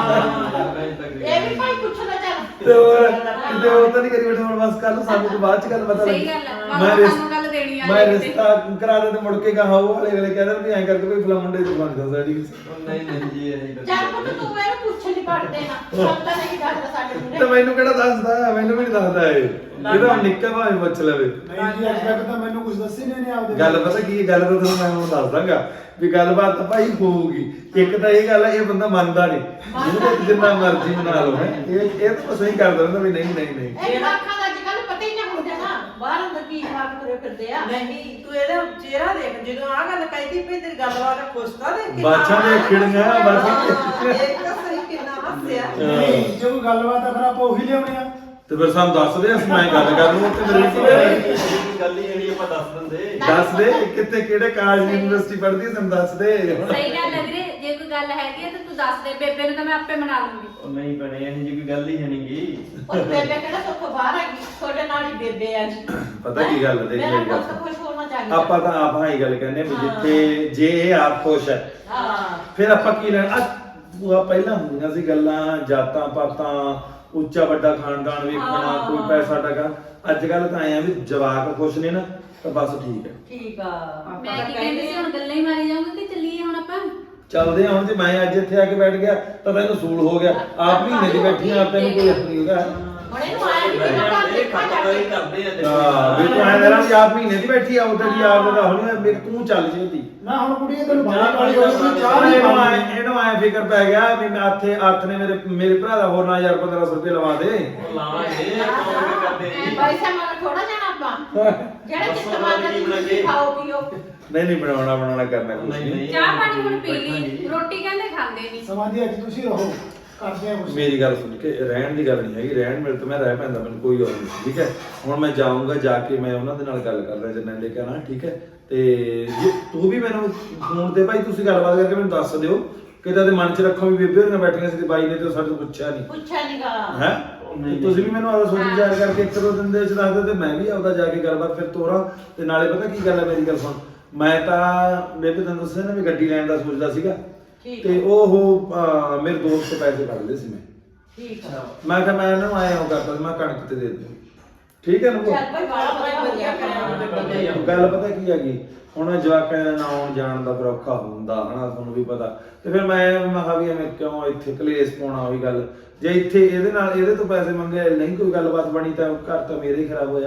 Speaker 1: ਇਹ ਵੀ ਭਾਈ ਪੁੱਛਣਾ ਚੱਲ
Speaker 2: ਤੇ ਹੋਰ ਕਿਤੇ ਹੋਰ ਤਾਂ ਨਹੀਂ ਕਰੀ ਬੈਠਾ, ਹੁਣ ਬਸ ਕੱਲ ਨੂੰ ਸਾਨੂੰ ਤੋਂ ਬਾਅਦ ਚ ਗੱਲ ਪਤਾ
Speaker 3: ਸਹੀ
Speaker 2: ਲੱਗੀ।
Speaker 3: ਗੱਲ ਹੈ,
Speaker 2: ਮੈਂ
Speaker 3: ਬਾਬਾ ਸਾਨੂੰ ਗੱਲ ਦੇਣੀ ਆ
Speaker 2: ਮੈਂ ਰਿਸ਼ਤਾ ਕਰਾ ਦੇ ਤੇ ਮੁੜ ਕੇ ਕਹਾ ਉਹ ਵਾਲੇ ਵੇਲੇ ਕਹਿੰਦੇ ਵੀ ਐਂ ਕਰਕੇ ਕੋਈ ਫਲਾ ਮੁੰਡੇ ਤੋਂ ਬਣ ਜਾਂਦਾ ਸੈਟਿੰਗ।
Speaker 4: ਨਹੀਂ ਨਹੀਂ ਜੀ ਇਹ
Speaker 1: ਚੱਲ ਪੁੱਤ ਤੂੰ ਮੈਨੂੰ ਪੁੱਛ ਨਹੀਂ ਪੜਦੇ ਨਾ ਸਭ ਤਾਂ ਨਹੀਂ ਦੱਸਦਾ ਸਾਡੇ
Speaker 2: ਤੇ
Speaker 1: ਮੁੰਡੇ।
Speaker 2: ਮੈਨੂੰ ਕਿਹੜਾ ਦੱਸਦਾ, ਮੈਨੂੰ ਵੀ ਨਹੀਂ ਦੱਸਦਾ ਇਹ ਤਾਂ ਨਿੱਕਾ ਭਾਵੇਂ ਪੁੱਛ ਲਵੇ।
Speaker 5: ਨਹੀਂ ਜੀ ਅੱਜ ਤੱਕ ਤਾਂ ਮੈਨੂੰ ਕੁਝ ਦੱਸੇ ਨਹੀਂ ਆਪਦੇ।
Speaker 2: ਗੱਲ ਪਤਾ ਕੀ ਹੈ, ਗੱਲ ਤਾਂ ਤੁਹਾਨੂੰ ਮੈਂ ਹੁਣ ਦੱਸ ਦਾਂਗਾ ਵੀ ਗੱਲਬਾਤ ਤਾਂ ਭਾਈ ਹੋਊਗੀ। ਇੱਕ ਤਾਂ ਇਹ ਗੱਲ ਹੈ, ਇਹ ਬੰਦਾ ਮੰਨਦਾ ਨਹੀਂ, ਜਿਹਨੂੰ ਜਿੰਨਾ ਮਰਜ਼ੀ ਮਨਾ ਲਓ ਹੈ, ਇਹ ਤਾਂ ਸਹੀ ਕਰ ਦਿੰਦਾ ਵੀ ਨਹੀਂ ਨਹੀਂ ਨਹੀਂ।
Speaker 1: ਇਹ ਜਵਾਕਾਂ ਦਾ ਅੱਜ ਕੱਲ ਪਤਾ ਹੀ ਨਹੀਂ ਹੁੰਦਾ ਨਾ, ਬਾਹਰ ਅੰਦਰ ਕੀ ਖਾਕ ਤੁਰੇ ਫਿਰਦੇ ਆ।
Speaker 6: ਨਹੀਂ ਤੂੰ ਇਹਦਾ ਚਿਹਰਾ ਦੇਖ, ਜਦੋਂ ਆਹ ਗੱਲ ਕਹਿੰਦੀ ਪਈ ਤੇਰੀ ਗੱਲਬਾਤ ਖੁਸ਼ਤਾ ਦੇ
Speaker 2: ਬਾਛਾਂ ਦੇ ਖਿੜੀਆਂ ਬਾਛਾਂ
Speaker 6: ਇੱਕ ਤਾਂ ਸਹੀ ਕਿੰਨਾ ਹੱਸਿਆ।
Speaker 5: ਨਹੀਂ ਜੇ ਕੋਈ ਗੱਲਬਾਤ ਆ ਫਿਰ ਆਪਾਂ ਉਹੀ ਲਿਆਉਣੇ ਆ।
Speaker 2: ਤੇ ਫਿਰ ਸਾਨੂੰ ਦੱਸ ਦੇ, ਅਸੀਂ ਮੈਂ ਗੱਲ ਕਰ ਲੂੰ ਤੇ ਮੇਰੇ ਕੋਲ
Speaker 4: ਗੱਲ ਹੀ ਜਿਹੜੀ ਆਪਾਂ ਦੱਸ ਦਿੰਦੇ।
Speaker 2: ਦੱਸ ਦੇ ਕਿੱਥੇ ਕਿਹੜੇ ਕਾਲਜ ਯੂਨੀਵਰਸਿਟੀ ਪੜ੍ਹਦੀ ਹੈ, ਸਾਨੂੰ ਦੱਸ ਦੇ।
Speaker 3: ਸਹੀ ਗੱਲ ਹੈ ਵੀਰੇ, ਜੇ ਕੋਈ ਗੱਲ ਹੈਗੀ ਹੈ ਤਾਂ ਤੂੰ ਦੱਸ ਦੇ, ਬੇਬੇ ਨੂੰ ਤਾਂ ਮੈਂ ਆਪੇ ਮਨਾ ਲੂੰਗੀ।
Speaker 4: ਉਹ ਨਹੀਂ ਭੈਣੇ ਇਹ ਜੀ ਕੋਈ ਗੱਲ ਹੀ ਹੈ ਨਹੀਂਗੀ।
Speaker 1: ਉਹ ਬੇਬੇ ਕਿਹੜਾ ਸੁੱਖ ਬਾਹਰ ਆ ਗਈ, ਤੁਹਾਡੇ ਨਾਲ ਹੀ ਬੇਬੇ ਆ ਗਈ।
Speaker 2: ਪਤਾ ਕੀ ਗੱਲ ਹੈ, ਦੇਖ
Speaker 1: ਮੇਰਾ
Speaker 2: ਮੇਰੀ ਗੱਲ
Speaker 1: ਪੁੱਤ ਖੁਸ਼ ਹੋਣਾ ਚਾਹੀਦਾ।
Speaker 2: ਆਪਾਂ ਤਾਂ ਆਪ ਹਾਂ ਹੀ ਗੱਲ ਕਹਿੰਦੇ ਵੀ ਜਿੱਥੇ ਜੇ ਇਹ ਆਪ ਖੁਸ਼ ਹੈ
Speaker 1: ਹਾਂ
Speaker 2: ਫਿਰ ਆਪਾਂ ਕੀ ਲੈਣਾ। ਪਹਿਲਾਂ ਹੁੰਦੀਆਂ ਸੀ ਗੱਲਾਂ ਜਾਤਾਂ ਪਾਤਾਂ, ਉੱਚਾ ਵੱਡਾ ਖਾਨਦਾਨ ਵੇਖਣਾ, ਕੋਈ ਪੈਸਾ ਟਕਾ। ਅੱਜ ਕੱਲ ਤਾਂ ਆਏ ਆ ਵੀ ਜਵਾਕ ਖੁਸ਼ ਨੇ ਨਾ ਤਾਂ ਬਸ ਠੀਕ ਹੈ।
Speaker 1: ਠੀਕ ਆ।
Speaker 3: ਮੈਂ ਕੀ ਕਹਿੰਦੀ ਸੀ, ਹੁਣ ਗੱਲਾਂ ਹੀ ਮਾਰੀ ਜਾਊਂਗੀ ਕਿ ਚੱਲੀਏ ਹੁਣ ਆਪਾਂ।
Speaker 2: ਚੱਲਦੇ ਆ ਹੁਣ। ਜੇ ਮੈਂ ਅੱਜ ਇੱਥੇ ਆ ਕੇ ਬੈਠ ਗਿਆ ਤਾਂ ਤੈਨੂੰ ਸੂਲ ਹੋ ਗਿਆ, ਆਪ ਮਹੀਨੇ ਦੀ ਬੈਠੀ ਆ, ਤੈਨੂੰ ਕੋਈ ਆਪਣੀ ਉਹਦਾ
Speaker 1: ਹੁਣ ਇਹਨੂੰ ਆਇਆ ਵੀ ਕਿਹੜਾ ਕੰਮ
Speaker 4: ਇਹ
Speaker 1: ਦੇਖਾ ਜਾ
Speaker 4: ਖਤਮ ਹੀ
Speaker 1: ਕੇ।
Speaker 4: ਕਰਦੇ ਆ
Speaker 2: ਹਾਂ ਵੀ ਤੂੰ ਐਂ ਦੇਣਾ ਵੀ ਆਪ ਮਹੀਨੇ ਦੀ ਬੈਠੀ ਆ, ਉਹਦੇ ਦੀ ਆਪ ਦਾ ਹੁਣ ਮੇਰੇ ਤੂੰ ਚੱਲ ਜੇਤੀ।
Speaker 5: ਨਾ ਹੁਣ ਕੁੜੀ ਤੈਨੂੰ ਬਾਹਰ ਕਾਲੀ ਹੋਈ ਤੂੰ ਚਾਹ ਨਹੀਂ
Speaker 2: ਇਹਨੂੰ ਆਏ ਫਿਕਰ ਪੈ ਗਿਆ ਵੀ ਮੈਂ ਹੱਥ ਨੇ ਮੇਰੇ ਭਰਾ ਦਾ ਹੋਰ ਨਾ 1500 ਰੁਪਏ ਲਵਾ ਦੇ।
Speaker 4: ਉਹ ਲਾਵਾਂਗੇ ਕੰਮ ਕਰਦੇ ਨਹੀਂ।
Speaker 1: ਪੈਸਾ ਮੰਗ ਥੋੜਾ ਜਾਣਾ ਆਪਾਂ ਜਿਹੜਾ ਜਿੱਤ ਮੰਗਦਾ ਤੁਸੀਂ ਖਾਓ ਪੀਓ।
Speaker 2: ਨਹੀਂ ਬਣਾਉਣਾ ਕਰਨਾ ਕੁਝ
Speaker 4: ਨਹੀਂ,
Speaker 2: ਨਹੀਂ।
Speaker 4: ਨਹੀਂ।
Speaker 3: ਚਾਹ ਪਾਣੀ ਹੁਣ ਪੀ ਲਈ, ਰੋਟੀ ਕਹਿੰਦੇ ਖਾਂਦੇ ਨਹੀਂ।
Speaker 5: ਸਮਾਧੀ ਅੱਜ ਤੁਸੀਂ ਰਹੋ, ਕਰਦੇ ਆ ਕੁਝ।
Speaker 2: ਮੇਰੀ ਗੱਲ ਸੁਣ ਕੇ ਰਹਿਣ ਦੀ ਗੱਲ ਨਹੀਂ ਹੈਗੀ, ਰਹਿਣ ਮਿਲ ਤਾਂ ਮੈਂ ਰਹਿ ਪੈਂਦਾ, ਮੈਨੂੰ ਕੋਈ ਗੱਲ ਨਹੀਂ, ਠੀਕ ਹੈ। ਹੁਣ ਮੈਂ ਜਾਊਂਗਾ, ਜਾ ਕੇ ਮੈਂ ਉਹਨਾਂ ਦੇ ਨਾਲ ਗੱਲ ਕਰਦਾ ਜਿੰਨਾਂ ਦੇ ਕਹਿਣਾ, ਠੀਕ ਹੈ। ਤੇ ਜੇ ਤੂੰ ਵੀ ਮੈਨੂੰ ਫੋਨ ਤੇ ਭਾਈ ਤੁਸੀਂ ਗੱਲਬਾਤ ਕਰਕੇ ਮੈਨੂੰ ਦੱਸ ਦਿਓ, ਕਿਤੇ ਦੇ ਮਨ 'ਚ ਰੱਖੋ ਵੀ ਬੇਬੇ ਹੋਰੀਆਂ ਬੈਠੀਆਂ ਸੀ ਤੇ ਬਾਈ ਨੇ ਤੇ ਸਾਡੇ ਤੋਂ ਪੁੱਛਿਆ ਨਹੀਂਗਾ ਹੈ। ਤੁਸੀਂ ਵੀ ਮੈਨੂੰ ਆਪਦਾ ਸੋਚ ਵਿਚਾਰ ਕਰਕੇ 1-2 ਦਿਨ ਦੇ ਵਿੱਚ ਦੱਸ ਦਿਓ ਤੇ ਮੈਂ ਵੀ ਆਪਦਾ ਜਾ ਕੇ ਗੱਲਬਾਤ ਫਿਰ ਤੋਰਾਂ। ਤੇ ਨਾਲੇ ਪਤਾ ਕੀ ਗੱਲ ਹੈ, ਮੇਰੀ ਗੱਲ ਸੁਣ, ਮੈਂ ਤਾਂ ਬੇਬੇ ਤੈਨੂੰ ਦੱਸਿਆ ਨਾ ਵੀ ਗੱਡੀ ਲੈਣ ਦਾ ਸੋਚਦਾ ਸੀਗਾ, ਤੇ ਉਹ ਮੇਰੇ ਦੋਸਤ ਤੋਂ ਪੈਸੇ ਫੜਦੇ ਸੀ ਮੈਂ।
Speaker 1: ਠੀਕ ਆ।
Speaker 2: ਮੈਂ ਕਿਹਾ ਮੈਂ ਇਹਨਾਂ ਨੂੰ ਆਇਆ ਹੋ ਕਰਦਾ, ਮੈਂ ਕਣਕ ਤੇ ਦੇ ਦਿੰਦਾ, ਠੀਕ ਹੈ ਨਾ।
Speaker 1: ਚੱਲ ਭਾਈ ਬਾਲਾ ਵਧੀਆ ਕਰਿਆ।
Speaker 2: ਗੱਲ ਪਤਾ ਕੀ ਹੈਗੀ, ਹੁਣ ਜਵਾਕਾਂ ਦੇ ਨਾਲ ਆਉਣ ਜਾਣ ਦਾ ਫਿਰ ਔਖਾ ਹੁੰਦਾ ਹਨਾ, ਤੁਹਾਨੂੰ ਵੀ ਪਤਾ। ਤੇ ਫਿਰ ਮੈਂ ਕਿਹਾ ਵੀ ਐਵੇਂ ਕਿਉਂ ਇੱਥੇ ਕਲੇਸ਼ ਪਾਉਣਾ, ਉਹੀ ਗੱਲ। ਜੇ ਇੱਥੇ ਇਹਦੇ ਤੋਂ ਪੈਸੇ ਮੰਗੇ ਨਹੀਂ ਕੋਈ ਗੱਲਬਾਤ ਬਣੀ ਤਾਂ ਘਰ ਤਾਂ ਮੇਰੇ ਹੀ ਖਰਾਬ ਹੋਇਆ।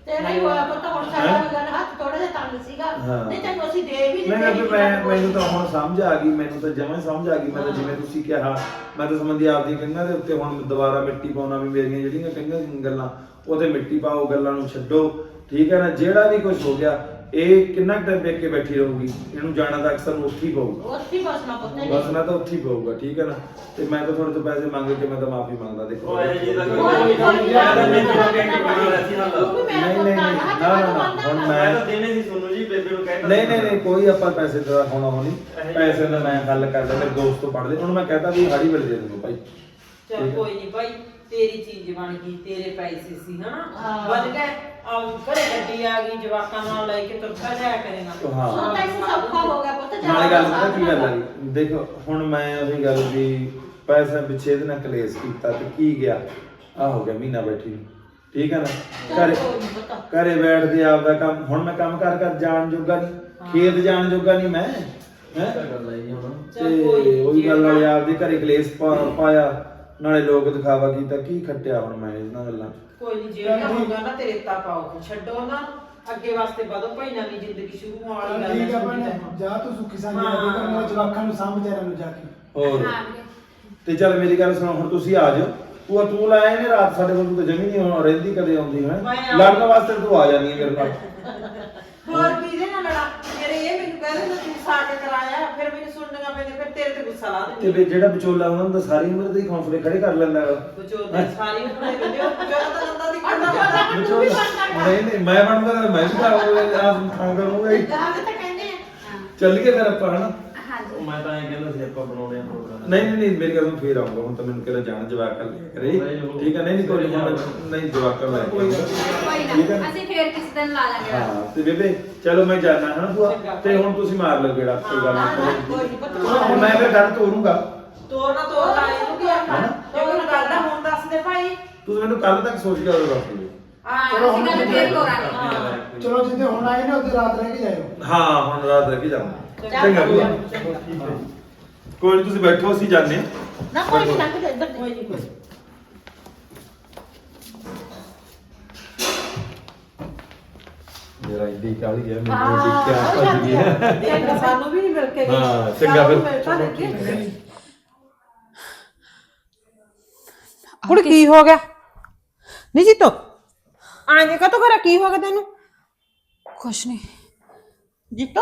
Speaker 1: ਤੇਰਾ ਹੀ ਹੋਇਆ ਪਤਾ ਹੁਣ ਸਾਡਾ ਵੀ ਗੱਲ ਹੱਥ ਥੋੜਾ ਜਿਹਾ ਤੰਗ ਸੀਗਾ
Speaker 2: ਹਾਂ।
Speaker 1: ਨਹੀਂ ਤੈਨੂੰ ਅਸੀਂ ਦੇ ਵੀ
Speaker 2: ਨਹੀਂ
Speaker 1: ਦਿੱਤੇ
Speaker 2: ਮੈਨੂੰ ਤਾਂ ਹੁਣ ਸਮਝ ਆ ਗਈ, ਮੈਨੂੰ ਤਾਂ ਜਮਾਂ ਹੀ ਸਮਝ ਆ ਗਈ। ਮੈਂ ਤਾਂ ਜਿਵੇਂ ਤੁਸੀਂ ਕਿਹਾ, ਮੈਂ ਤਾਂ ਸੰਬੰਧੀ ਆਪਦੀ ਕਈਆਂ ਦੇ ਉੱਤੇ ਹੁਣ ਦੁਬਾਰਾ ਮਿੱਟੀ ਪਾਉਣਾ ਵੀ ਮੇਰੀਆਂ ਜਿਹੜੀਆਂ ਕਈਆਂ ਗੱਲਾਂ ਉਹਦੇ ਮਿੱਟੀ ਪਾਓ, ਗੱਲਾਂ ਨੂੰ ਛੱਡੋ, ਠੀਕ ਹੈ ਨਾ। ਜਿਹੜਾ ਵੀ ਕੁਝ ਹੋ ਗਿਆ ਇਹ ਕਿੰਨਾ ਟਾਈਮ ਵੇਖ ਕੇ ਬੈਠੀ ਰਹੂਗੀ, ਇਹਨੂੰ ਜਾਣਾ ਤਾਂ ਅਕਸਰ ਉੱਥੇ ਹੀ ਪਊਗਾ,
Speaker 1: ਉੱਥੇ ਬਸਣਾ ਪੁੱਤੇ
Speaker 2: ਬਸਣਾ ਤਾਂ ਉੱਥੇ ਹੀ ਪਊਗਾ, ਠੀਕ ਹੈ ਨਾ। ਤੇ ਮੈਂ ਤਾਂ ਤੁਹਾਡੇ ਤੋਂ ਪੈਸੇ ਮੰਗ ਕੇ ਮੈਂ ਤਾਂ ਮਾਫੀ ਮੰਗਦਾ। ਦੇਖੋ
Speaker 4: ਉਹ ਇਹ ਜੀ ਦਾ
Speaker 1: ਕੋਈ
Speaker 4: ਕੋਈ
Speaker 1: ਨਹੀਂ,
Speaker 4: ਨਹੀਂ
Speaker 1: ਕੋਈ ਨਹੀਂ,
Speaker 4: ਮੈਂ ਤਾਂ ਮੈਨੂੰ ਕਹਿ ਕੇ ਬਣਾ ਸੀ ਹੱਲ
Speaker 1: ਤੂੰ ਵੀ ਮੇਰਾ
Speaker 2: ਨਹੀਂ,
Speaker 1: ਪੁੱਤ ਆ,
Speaker 2: ਨਹੀਂ,
Speaker 1: ਹੱਥ
Speaker 2: ਨਾ, ਨਾ,
Speaker 1: ਬੰਨ੍ਹਦਾ
Speaker 2: ਹੁਣ
Speaker 1: ਹੁੰਦਾ।
Speaker 4: ਮੈਂ ਤਾਂ ਦੇਣੇ ਸੀ ਤੁਹਾਨੂੰ ਜੀ, ਬੇਬੇ ਨੂੰ ਕਹਿਤਾ
Speaker 2: ਨਹੀਂ ਕੋਈ ਆਪਾਂ ਪੈਸੇ ਦਾ ਹੋਣਾ ਹੋਣੀ, ਪੈਸੇ ਦਾ ਮੈਂ ਹੱਲ ਕਰ ਲਿਆ। ਮੇਰੇ ਦੋਸਤ ਤੋਂ ਪੜ ਲਏ, ਉਹਨੂੰ ਮੈਂ ਕਹਤਾ ਵੀ ਹਾੜੀ ਵੇਲੇ ਦੇ ਦੂੰਗਾ ਭਾਈ।
Speaker 6: ਚਲ ਕੋਈ ਨਹੀਂ ਭਾਈ, ਤੇਰੀ ਚੀਜ਼ ਬਣ ਗਈ, ਤੇਰੇ ਪੈਸੇ ਸੀ ਹਨਾ, ਬਣ ਗਏ। ਆ ਘਰੇ ਗੱਡੀ ਆ ਗਈ, ਜਵਾਕਾਂ ਨਾਲ ਲੈ ਕੇ ਤੁਰਦਾ ਜਾਇਆ ਕਰੇਗਾ।
Speaker 2: ਹਾਂ।
Speaker 1: ਹੁਣ ਤਾਂ ਇਸ ਸੌਖਾ ਹੋ ਗਿਆ ਪੁੱਤ
Speaker 2: ਨਾਲੇ ਗੱਲ ਪਤਾ ਕੀ ਗੱਲ ਆ ਜੀ, ਦੇਖੋ ਹੁਣ ਮੈਂ ਉਹੀ ਗੱਲ ਵੀ ਪੈਸੇ ਪਿੱਛੇ ਇਹਦੇ ਨਾਲ ਕਲੇਸ਼ ਕੀਤਾ ਤੇ ਕੀ ਗਿਆ, ਆ ਹੋ ਗਿਆ ਮਹੀਨਾ ਬੈਠੀ ਨੂੰ, ਠੀਕ ਹੈ ਨਾ। ਘਰੇ ਬੈਠਦੇ ਆਪਦਾ ਕੰਮ, ਹੁਣ ਮੈਂ ਕੰਮ ਕਰ ਜਾਣ ਜੋਗਾ ਨਹੀਂ, ਖੇਤ ਜਾਣ ਜੋਗਾ ਨਹੀਂ ਮੈਂ, ਹੈ
Speaker 4: ਗੱਲ ਆਈ ਹੁਣ।
Speaker 2: ਤੇ ਉਹੀ ਗੱਲ ਵਾਲੇ ਆਪਦੇ ਘਰੇ ਕਲੇਸ਼ ਪਾਇਆ, ਨਾਲੇ ਲੋਕ ਦਿਖਾਵਾ ਕੀਤਾ। ਕੀ ਖੱਟਿਆ ਹੁਣ ਮੈਂ ਇਹਨਾਂ ਗੱਲਾਂ 'ਚ।
Speaker 6: ਕੋਈ ਨਹੀਂ, ਜਿਹੜਾ ਹੋਊਗਾ ਨਾ ਤੇਰੇ ਤਾ ਪਾਓ, ਛੱਡੋ ਨਾ, ਅੱਗੇ ਵਾਸਤੇ ਵਧੋ ਭਾਈ, ਨਵੀਂ ਜ਼ਿੰਦਗੀ ਸ਼ੁਰੂ ਹੋਣ ਵਾਲੀ ਗੱਲ
Speaker 5: ਠੀਕ ਆ
Speaker 6: ਹੈ।
Speaker 5: ਭੈਣੇ, ਜਾ ਤੂੰ ਸੁੱਖੀ ਸਾਂਝੀ ਆਪੇ ਕਰ, ਮੇਰੇ ਜਵਾਕਾਂ ਨੂੰ ਸਾਂਭ ਵਿਚਾਰਿਆਂ ਨੂੰ ਜਾ ਕੇ।
Speaker 2: ਹੋਰ
Speaker 3: ਹਾਂ ਵੀਰੇ।
Speaker 2: ਤੇ ਚੱਲ ਮੇਰੀ ਗੱਲ ਸੁਣੋ, ਹੁਣ ਤੁਸੀਂ ਆ ਜਾਓ। ਤੂੰ ਲਾਇਆ ਨੇ ਰਾਤ ਸਾਡੇ ਕੋਲ, ਤੂੰ ਤਾਂ ਜਮੀ ਨਹੀਂ ਹੁਣ ਰਹਿੰਦੀ, ਕਦੇ ਆਉਂਦੀ ਹੈ ਲੜਨ ਵਾਸਤੇ ਤੂੰ ਆ ਜਾਂਦੀ ਹੈ ਮੇਰੇ ਨਾਲ।
Speaker 6: ਹੋਰ ਕਿਹਦੇ ਨਾਲ ਲੜਾ? ਮੇਰੇ ਇਹ ਮੈਨੂੰ ਕਹਿੰਦੇ ਤੂੰ ਸਾਕ ਕਰਾਇਆ, ਫਿਰ ਮੈਨੂੰ ਸੁਣਨੀਆਂ ਪੈਂਦੀਆਂ, ਫਿਰ ਤੇਰੇ ਤੇ ਗੁੱਸਾ ਲਾ
Speaker 2: ਤੇ
Speaker 6: ਦਿੰਦੀ।
Speaker 2: ਵੀ ਜਿਹੜਾ ਵਿਚੋਲਾ ਉਹਨਾਂ ਦਾ ਸਾਰੀ ਉਮਰ ਦੇ ਹੌਸਲੇ ਖੜੇ ਕਰ ਲੈਂਦਾ ਹੈ।
Speaker 6: ਵਿਚੋਲੇ ਸਾਰੀ ਉਮਰ ਦੇ ਦਿਓ, ਵਿਚੋਲਾ ਤਾਂ ਨੰਦਾ ਦੀ
Speaker 2: ਨਹੀਂ ਮੈਂ ਬਣਦਾ ਤਾਂ ਮੈਂ ਵੀ ਤਾਂ ਥਾਂ ਕਰੂੰਗਾ ਹੀ।
Speaker 1: ਜਾਗ ਤਾਂ ਕਹਿੰਦੇ ਆ
Speaker 2: ਚੱਲੀਏ ਫਿਰ ਆਪਾਂ ਹਨਾ।
Speaker 3: ਹਾਂਜੀ।
Speaker 4: ਮੈਂ ਤਾਂ ਇਹ ਕਹਿੰਦਾ ਸੀ ਆਪਾਂ ਬਣਾਉਣੇ ਆ ਪ੍ਰੋਗਰਾਮ।
Speaker 2: ਨਹੀਂ ਮੇਰੀ ਗੱਲ ਨੂੰ ਫੇਰ ਆਉਂਗਾ। ਹੁਣ ਤਾਂ ਮੈਨੂੰ ਕਿਹੜਾ ਜਾਣ ਜਵਾਕ ਕਰ ਲਿਆ ਕਰੇ, ਠੀਕ ਹੈ। ਨਹੀਂ ਕੋਈ ਨਹੀਂ ਜਵਾਕ ਕਰ ਲੈ
Speaker 3: ਕੋਈ
Speaker 2: ਠੀਕ ਹੈ।
Speaker 3: ਨਾ, ਅਸੀਂ ਫੇਰ ਕਿਸੇ ਦਿਨ ਲਾ ਲਾਂਗੇ।
Speaker 2: ਹਾਂ ਤੇ ਬੇਬੇ ਚਲੋ ਮੈਂ ਜਾਣਾ ਹਨਾ ਭੂਆ, ਤੇ ਹੁਣ ਤੁਸੀਂ ਮਾਰ ਲਓ ਗੇੜਾ, ਕੋਈ ਗੱਲ
Speaker 1: ਕੋਈ
Speaker 2: ਨਹੀਂ।
Speaker 1: ਨਹੀਂ ਪੁੱਤ
Speaker 2: ਹੁਣ ਮੈਂ ਫਿਰ ਗੱਲ ਤੋਰੂੰਗਾ।
Speaker 6: ਤੋੜਨਾ ਤੋੜਦਾ ਇਹਨੂੰ ਕੀ ਆਖਾਂ? ਜੇ ਕੋਈ ਕਰਦਾ ਹੁਣ ਦੱਸ ਦੇ ਭਾਈ।
Speaker 2: ਤੁਸੀਂ ਮੈਨੂੰ ਕੱਲ ਤੱਕ ਸੋਚ ਕੇ ਆਓ ਦੱਸ ਦਿਓ।
Speaker 3: ਹਾਂ, ਅਸੀਂ ਗੱਲ ਫੇਰ ਕਰਾਂਗੇ।
Speaker 5: ਚਲੋ ਜਿੱਦੇ ਹੁਣ ਆਏ ਨਾ ਉਹਦੇ ਰਾਤ ਰਹਿ ਕੇ ਜਾਇਓ।
Speaker 2: ਹਾਂ ਹੁਣ ਰਾਤ ਰਹਿ ਕੇ ਜਾਵਾਂ। ਚੰਗਾ ਭੂਆ, ਕੋਈ ਨਹੀਂ ਤੁਸੀਂ ਬੈਠੋ, ਅਸੀਂ ਜਾਂਦੇ ਹਾਂ।
Speaker 1: ਨਾ ਕੋਈ ਨਹੀਂ ਲੰਘ ਜਾ ਇੱਧਰ
Speaker 6: ਕੋਈ ਨਹੀਂ ਕੋਈ।
Speaker 2: ਮੇਰਾ ਇੱਦੀ ਕਾਲੀ ਗਿਆ, ਮੈਨੂੰ
Speaker 1: ਹਾਂ,
Speaker 2: ਦੇਖ ਕੇ ਭੱਜ ਗਈ ਹੈ।
Speaker 6: ਦੇਖ ਸਾਨੂੰ ਵੀ ਨਹੀਂ ਮਿਲ ਕੇ ਗਈ।
Speaker 2: ਹਾਂ, ਚੰਗਾ ਫਿਰ।
Speaker 6: ਮਿਲਦਾ ਦੇਖੀ।
Speaker 7: ਕੁੜ ਕੀ ਹੋ ਗਿਆ ਨਹੀਂ ਜੀਤੋ ਆਂਗੇ ਕਾ ਕਰਾ ਕੀ ਹੋ ਗਿਆ ਤੈਨੂੰ?
Speaker 8: ਕੁਛ ਨਹੀਂ
Speaker 1: ਜੀਤੋ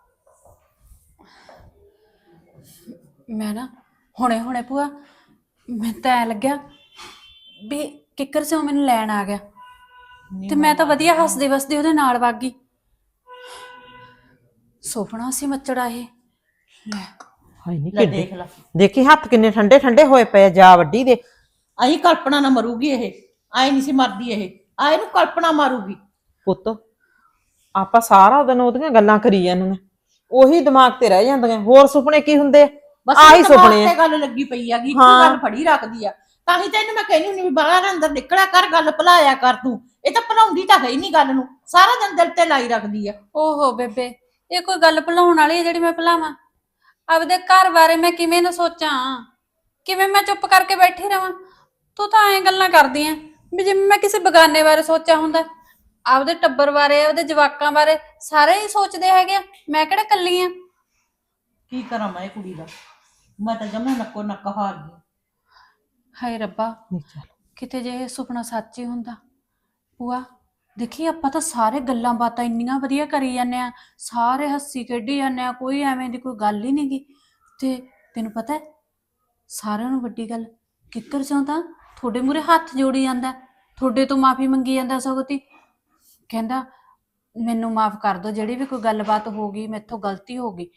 Speaker 8: ਮੈਂ ਨਾ ਹੁਣੇ ਭੂਆ ਮੈਨੂੰ ਤਾਂ ਐ ਲੱਗਿਆ ਵੀ ਕਿੱਕਰ ਸਿਓ ਮੈਨੂੰ ਲੈਣ ਆ ਗਿਆ ਤੇ ਮੈਂ ਤਾਂ ਵਧੀਆ ਹੱਸਦੀ ਵਸਦੀ ਉਹਦੇ ਨਾਲ ਵਗ ਗਈ। ਸੁਪਨਾ ਸੀ ਮੱਚੜਾ ਇਹ ਲੈ
Speaker 7: ਹਾਏ ਨਹੀਂ
Speaker 1: ਲੈ ਦੇਖ ਲੈ,
Speaker 7: ਦੇਖੀ ਹੱਥ ਕਿੰਨੇ ਠੰਡੇ ਠੰਡੇ ਹੋਏ ਪਏ ਆ, ਜਾ ਵੱਡੀ ਦੇ।
Speaker 1: ਆਹੀ ਕਲਪਨਾ ਨਾ ਮਰੂਗੀ ਇਹ, ਆਏ ਨਹੀਂ ਸੀ ਮਰਦੀ ਇਹ, ਆ ਇਹਨੂੰ ਕਲਪਨਾ ਮਾਰੂਗੀ।
Speaker 7: ਪੁੱਤ ਆਪਾਂ ਸਾਰਾ ਦਿਨ ਉਹਦੀਆਂ ਗੱਲਾਂ ਕਰੀ ਜਾਂਦੇ ਨੇ, ਉਹੀ ਦਿਮਾਗ ਤੇ ਰਹਿ ਜਾਂਦੀਆਂ। ਹੋਰ ਸੁਪਨੇ ਕੀ ਹੁੰਦੇ ਆ?
Speaker 1: ਬਸ
Speaker 7: ਆਹੀ
Speaker 1: ਇਹ ਦਿਮਾਗ
Speaker 7: ਸੁਪਨੇ ਆ।
Speaker 1: ਤੇ ਗੱਲ ਲੱਗੀ ਪਈ ਹੈਗੀ, ਇੱਕ
Speaker 7: ਹਾਂ।
Speaker 1: ਗੱਲ ਫੜੀ ਰੱਖਦੀ ਆ। ਤਾਂ ਹੀ ਤੈਨੂੰ ਮੈਂ ਕਹਿੰਦੀ ਹੁੰਦੀ ਵੀ ਬਾਹਰ ਅੰਦਰ ਨਿਕਲਿਆ ਕਰ, ਗੱਲ ਭੁਲਾਇਆ ਕਰ ਤੂੰ। ਇਹ ਤਾਂ ਭੁਲਾਉਂਦੀ ਤਾਂ ਹੈ ਹੀ ਨਹੀਂ ਗੱਲ ਨੂੰ, ਸਾਰਾ ਦਿਨ ਦਿਲ ਤੇ ਲਾਈ ਰੱਖਦੀ ਆ।
Speaker 8: ਓਹੋ ਬੇਬੇ, ਇਹ ਕੋਈ ਗੱਲ ਭੁਲਾਉਣ ਵਾਲੀ ਹੈ ਜਿਹੜੀ ਮੈਂ ਭੁਲਾਵਾਂ? ਆਪਦੇ ਘਰ ਬਾਰੇ ਮੈਂ ਕਿਵੇਂ ਨਾ ਸੋਚਾਂ, ਕਿਵੇਂ ਮੈਂ ਚੁੱਪ ਕਰਕੇ ਬੈਠੀ ਰਵਾਂ? ਤੂੰ ਤਾਂ ਐਂ ਗੱਲਾਂ ਕਰਦੀ ਆਂ ਵੀ ਜਿਵੇਂ ਮੈਂ ਕਿਸੇ ਬਗਾਨੇ ਬਾਰੇ ਸੋਚਿਆ ਹੁੰਦਾ। ਆਪਦੇ ਟੱਬਰ ਬਾਰੇ, ਆਪਦੇ ਜਵਾਕਾਂ ਬਾਰੇ ਸਾਰੇ ਹੀ ਸੋਚਦੇ ਹੈਗੇ ਆ, ਮੈਂ ਕਿਹੜਾ ਕੱਲੀ ਆ?
Speaker 1: ਕੀ ਕਰਾਂ ਮੈਂ ਇਹ ਕੁੜੀ ਦਾ, ਮੈਂ ਤਾਂ ਜਮਾ ਨੱਕੋ ਨੱਕ ਹਾਰ ਗਈ।
Speaker 8: ਹਾਏ ਰੱਬਾ, ਕਿਤੇ ਜੇ ਇਹ ਸੁਪਨਾ ਸੱਚ ਹੀ ਹੁੰਦਾ। ਭੂਆ ਦੇਖੀ, ਆਪਾਂ ਤਾਂ ਸਾਰੇ ਗੱਲਾਂ ਬਾਤਾਂ ਇੰਨੀਆਂ ਵਧੀਆ ਕਰੀ ਜਾਂਦੇ ਆ, ਸਾਰੇ ਹੱਸੀ ਖੇਡੀ ਜਾਂਦੇ ਆ, ਕੋਈ ਐਵੇਂ ਦੀ ਕੋਈ ਗੱਲ ਹੀ ਨਹੀਂ ਗੀ। ਤੇ ਤੈਨੂੰ ਪਤਾ ਸਾਰਿਆਂ ਨੂੰ ਵੱਡੀ ਗੱਲ, ਕਿੱਕਰ ਸਿਓ ਤਾਂ ਤੁਹਾਡੇ ਮੂਹਰੇ ਹੱਥ ਜੋੜੀ ਜਾਂਦਾ, ਤੁਹਾਡੇ ਤੋਂ ਮਾਫੀ ਮੰਗੀ ਜਾਂਦਾ। ਸਗੋਂ ਕਹਿੰਦਾ ਮੈਨੂੰ ਮਾਫ ਕਰ ਦਿਓ, ਜਿਹੜੀ ਵੀ ਕੋਈ ਗੱਲਬਾਤ ਹੋ ਗਈ, ਮੈਥੋਂ ਗਲਤੀ ਹੋ ਗਈ।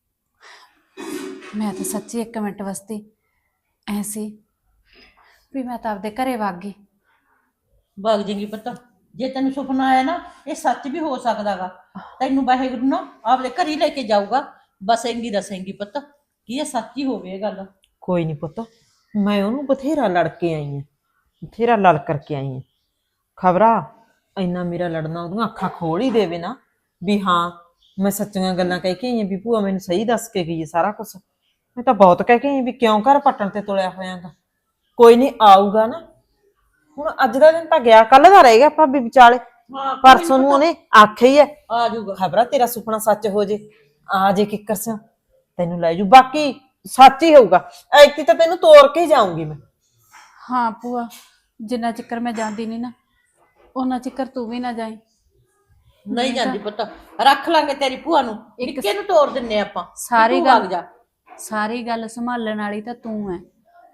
Speaker 8: ਮੈਂ ਤਾਂ ਸੱਚੀ ਇੱਕ ਮਿੰਟ ਵਾਸਤੇ ਐ ਸੀ ਵੀ ਮੈਂ ਤਾਂ ਆਪਦੇ ਘਰੇ ਵਗ ਗਈ।
Speaker 1: ਵਗ ਜਾਏਗੀ ਪਤਾ, ਜੇ ਤੈਨੂੰ ਸੁਪਨਾ ਆਇਆ ਨਾ, ਇਹ ਸੱਚ ਵੀ ਹੋ ਸਕਦਾਗਾ। ਤੈਨੂੰ ਵਾਹਿਗੁਰੂ ਨਾ ਆਪਦੇ ਘਰ ਹੀ ਲੈ ਕੇ ਜਾਊਗਾ, ਬਸੇਂਗੀ ਰਸੇਂਗੀ ਪਤਾ, ਕੀ ਇਹ ਸੱਚ ਹੀ ਹੋਵੇ ਇਹ ਗੱਲ।
Speaker 7: ਕੋਈ ਨਹੀਂ ਪੁੱਤ, ਮੈਂ ਉਹਨੂੰ ਬਥੇਰਾ ਲੜ ਕੇ ਆਈ ਆ, ਬਥੇਰਾ ਲੜ ਕਰਕੇ ਆਈ ਆ। ਖਬਰਾ ਇੰਨਾ ਮੇਰਾ ਲੜਨਾ ਉਹਦੀਆਂ ਅੱਖਾਂ ਖੋਲ ਹੀ ਦੇਵੇ ਨਾ ਵੀ ਹਾਂ ਮੈਂ ਸੱਚੀਆਂ ਗੱਲਾਂ ਕਹਿ ਕੇ ਆਈ ਆ, ਵੀ ਭੂਆ ਮੈਨੂੰ ਸਹੀ ਦੱਸ ਕੇ ਗਈ ਹੈ ਸਾਰਾ ਕੁਝ। ਮੈਂ ਤਾਂ ਬਹੁਤ ਕਹਿ ਕੇ ਆਈ ਵੀ ਕਿਉਂ ਘਰ ਪੱਟਣ ਤੇ ਤੁਲਿਆ ਹੋਇਆਗਾ। ਕੋਈ ਨਹੀਂ ਆਊਗਾ ਨਾ, ਹੁਣ ਅੱਜ ਦਾ ਦਿਨ ਤਾਂ ਗਿਆ, ਕੱਲ ਦਾ ਰਹਿ ਗਿਆ ਭਾਬੀ ਵਿਚਾਲੇ।
Speaker 1: ਹਾਂ
Speaker 7: ਪਰਸੋਂ ਨੂੰ ਉਹਨੇ ਆਖਿਆ ਹੀ ਹੈ
Speaker 1: ਆ ਜਾਊਗਾ।
Speaker 7: ਖਬਰਾਂ ਤੇਰਾ ਸੁਪਨਾ ਸੱਚ ਹੋ ਜੇ, ਆ ਜੇ ਕਿੱਕਰ ਸਿਆ ਤੈਨੂੰ ਲੈ ਜੂ। ਬਾਕੀ ਸੱਚ ਹੀ ਹੋਊਗਾ, ਐਤੀ ਤਾਂ ਤੈਨੂੰ ਤੋੜ ਕੇ ਹੀ ਜਾਊਂਗੀ ਮੈਂ।
Speaker 8: ਹਾਂ ਭੂਆ, ਜਿੰਨਾ ਚਿਕਰ ਮੈਂ ਜਾਂਦੀ ਨਹੀਂ ਨਾ ਉਹਨਾਂ ਚਿਕਰ ਤੂੰ ਵੀ ਨਾ ਜਾਈ।
Speaker 1: ਨਹੀਂ ਜਾਂਦੀ ਪੁੱਤ, ਰੱਖ ਲਾਂਗੇ ਤੇਰੀ ਭੂਆ ਨੂੰ, ਨਿੱਕੇ ਨੂੰ ਤੋੜ ਦਿੰਨੇ ਆਪਾਂ।
Speaker 8: ਸਾਰੀ
Speaker 1: ਤੂੰ
Speaker 8: ਗੱਲ
Speaker 1: ਵਗ ਜਾ।
Speaker 8: ਸਾਰੀ ਗੱਲ ਸੰਭਾਲਣ ਵਾਲੀ ਤਾਂ ਤੂੰ ਐ।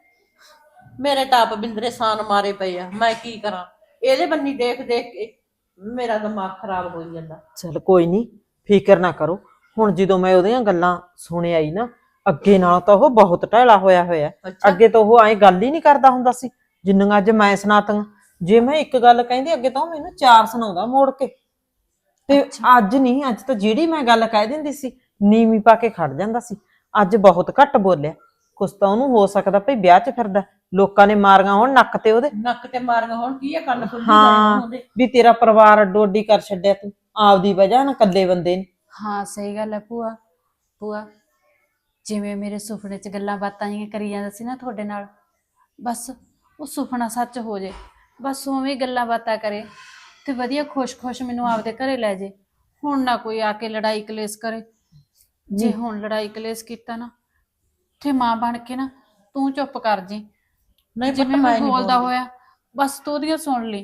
Speaker 1: ਮੇਰੇ ਤਾਂ ਆਪ ਬਿੰਦਰੇ ਸਾਨ ਮਾਰੇ ਪਏ ਆ, ਮੈਂ ਕੀ ਕਰਾਂ? ਇਹਦੇ ਬੰਨੀ ਦੇਖ ਦੇਖ ਕੇ ਮੇਰਾ ਦਿਮਾਗ ਖਰਾਬ ਹੋਈ ਜਾਂਦਾ।
Speaker 7: ਚਲ ਕੋਈ ਨਹੀਂ, ਫਿਕਰ ਨਾ ਕਰੋ। ਹੁਣ ਜਦੋਂ ਮੈਂ ਉਹਦੀਆਂ ਗੱਲਾਂ ਸੁਣ ਆਈ ਨਾ, ਅੱਗੇ ਨਾਲ ਤਾਂ ਉਹ ਬਹੁਤ ਢੈਲਾ ਹੋਇਆ।
Speaker 1: ਅੱਛਾ।
Speaker 7: ਅੱਗੇ ਤਾਂ ਉਹ ਐਂ ਗੱਲ ਹੀ ਨਹੀਂ ਕਰਦਾ ਹੁੰਦਾ ਸੀ ਜਿੰਨੀਆਂ ਅੱਜ ਮੈਂ ਸੁਣਾਤੀਆਂ। ਜੇ ਮੈਂ ਇੱਕ ਗੱਲ ਕਹਿੰਦੀ ਅੱਗੇ ਤਾਂ ਉਹ ਮੈਨੂੰ 4 ਸੁਣਾਉਂਦਾ ਮੋੜ ਕੇ। ਤੇ ਅੱਜ ਨਹੀਂ, ਅੱਜ ਤਾਂ ਜਿਹੜੀ ਮੈਂ ਗੱਲ ਕਹਿ ਦਿੰਦੀ ਸੀ ਨੀਵੀਂ ਪਾ ਕੇ ਖੜ ਜਾਂਦਾ ਸੀ। ਅੱਜ ਬਹੁਤ ਘੱਟ ਬੋਲਿਆ। ਕੁਛ ਤਾਂ ਉਹਨੂੰ ਹੋ ਸਕਦਾ ਭਈ ਵਿਆਹ 'ਚ ਫਿਰਦਾ, ਲੋਕਾਂ ਨੇ ਮਾਰੀਆਂ ਹੋਣ ਨੱਕ ਤੇ ਉਹਦੇ।
Speaker 1: ਨੱਕ ਤੇ ਮਾਰੀਆਂ ਹੁਣ ਕੀ ਆ, ਕੰਨ ਖੁੱਲੀ
Speaker 7: ਹਾਂ
Speaker 1: ਉਹਦੇ।
Speaker 7: ਵੀ ਤੇਰਾ ਪਰਿਵਾਰ ਅੱਡੋ ਅੱਡੀ ਕਰ ਛੱਡਿਆ ਤੂੰ ਆਪਦੀ ਵਜ੍ਹਾ ਨਾਲ, ਇਕੱਲੇ ਬੰਦੇ ਨੇ।
Speaker 8: ਹਾਂ ਸਹੀ ਗੱਲ ਹੈ ਭੂਆ। ਭੂਆ ਜਿਵੇਂ ਮੇਰੇ ਸੁਪਨੇ 'ਚ ਗੱਲਾਂ ਬਾਤਾਂ ਜਿਹੀਆਂ ਕਰੀ ਜਾਂਦਾ ਸੀ ਨਾ ਤੁਹਾਡੇ ਨਾਲ, ਬਸ ਉਹ ਸੁਪਨਾ ਸੱਚ ਹੋ ਜੇ। ਬਸ ਉਵੇਂ ਹੀ ਗੱਲਾਂ ਬਾਤਾਂ ਕਰੇ ਤੇ ਵਧੀਆ ਖੁਸ਼-ਖੁਸ਼ ਮੈਨੂੰ ਆਪਦੇ ਘਰੇ ਲੈ ਜੇ। ਹੁਣ ਨਾ ਕੋਈ ਆ ਕੇ ਲੜਾਈ ਕਲੇਸ਼ ਕਰੇ। ਜੇ ਹੁਣ ਲੜਾਈ ਕਲੇਸ਼ ਕੀਤਾ ਨਾ ਤੇ ਮਾਂ ਬਣ ਕੇ ਨਾ ਤੂੰ ਚੁੱਪ ਕਰ ਜੀ।
Speaker 1: ਨਹੀਂ ਪੁੱਤ,
Speaker 8: ਜਿਵੇਂ
Speaker 1: ਮੈਂ
Speaker 8: ਮੈਂ
Speaker 1: ਨਹੀਂ
Speaker 8: ਬੋਲਦਾ
Speaker 1: ਬੋਲਦੀ।
Speaker 8: ਹੋਇਆ ਬਸ ਤੂੰ ਉਹਦੀਆਂ ਸੁਣ ਲਈ,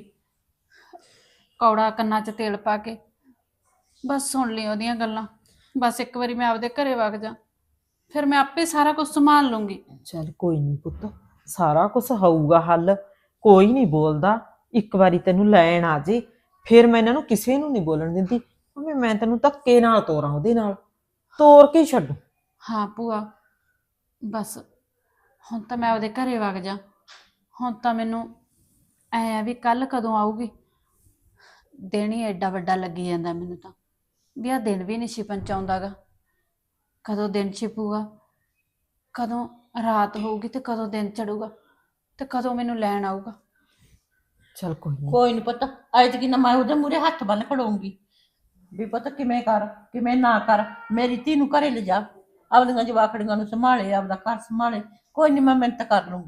Speaker 8: ਕੌੜਾ ਕੰਨਾਂ 'ਚ ਤੇਲ ਪਾ ਕੇ ਬਸ ਸੁਣ ਲਈ ਉਹਦੀਆਂ ਗੱਲਾਂ। ਬਸ ਇੱਕ ਵਾਰੀ ਮੈਂ ਆਪਦੇ ਘਰੇ ਵਗ ਜਾ, ਫਿਰ ਮੈਂ ਆਪੇ ਸਾਰਾ ਕੁਝ ਸੰਭਾਲ ਲੂੰਗੀ।
Speaker 7: ਚੱਲ ਕੋਈ ਨਹੀਂ ਪੁੱਤ, ਸਾਰਾ ਕੁਝ ਹੋਊਗਾ ਹੱਲ। ਕੋਈ ਨਹੀਂ ਬੋਲਦਾ, ਇੱਕ ਵਾਰੀ ਤੈਨੂੰ ਲੈਣ ਆ ਜੇ ਫਿਰ ਮੈਂ ਇਹਨਾਂ ਨੂੰ ਕਿਸੇ ਨੂੰ ਨਹੀਂ ਬੋਲਣ ਦਿੰਦੀ। ਭਾਵੇਂ ਮੈਂ ਤੈਨੂੰ ਧੱਕੇ ਨਾਲ ਤੋਰਾਂ, ਉਹਦੇ ਨਾਲ ਤੋਰ ਕੇ ਹੀ ਛੱਡੂ।
Speaker 8: ਹਾਂ ਭੂਆ, ਬਸ ਹੁਣ ਤਾਂ ਮੈਂ ਉਹਦੇ ਘਰੇ ਵਗ ਜਾ। ਹੁਣ ਤਾਂ ਮੈਨੂੰ ਐ ਆ ਵੀ ਕੱਲ ਕਦੋਂ ਆਊਗੀ। ਦਿਨ ਹੀ ਐਡਾ ਵੱਡਾ ਲੱਗੀ ਜਾਂਦਾ ਮੈਨੂੰ ਤਾਂ, ਵੀ ਆਹ ਦਿਨ ਵੀ ਨਹੀਂ ਛਿਪਣ ਚ ਆਉਂਦਾਗਾ। ਕਦੋਂ ਦਿਨ ਛਿਪੂਗਾ, ਕਦੋਂ ਰਾਤ ਹੋਊਗੀ ਤੇ ਕਦੋਂ ਦਿਨ ਚੜੂਗਾ ਤੇ ਕਦੋਂ ਮੈਨੂੰ ਲੈਣ ਆਊਗਾ।
Speaker 7: ਚੱਲ ਕੋਈ ਨਹੀਂ।
Speaker 1: ਕੋਈ ਨਹੀਂ ਪੁੱਤ, ਐਤਕੀ ਨਾ ਮੈਂ ਉਹਦੇ ਮੂਹਰੇ ਹੱਥ ਬੰਨ ਖੜਾਉਂਗੀ ਵੀ ਪੁੱਤ ਕਿਵੇਂ ਕਰ ਕਿਵੇਂ ਨਾ ਕਰ, ਮੇਰੀ ਧੀ ਨੂੰ ਘਰੇ ਲਿਜਾ, ਆਪਦੀਆਂ ਜਵਾਕੜੀਆਂ ਨੂੰ ਸੰਭਾਲੇ, ਆਪਦਾ ਘਰ ਸੰਭਾਲੇ। ਕੋਈ ਨਹੀਂ, ਮੈਂ ਮਿਹਨਤ ਕਰ ਲੂੰਗੀ।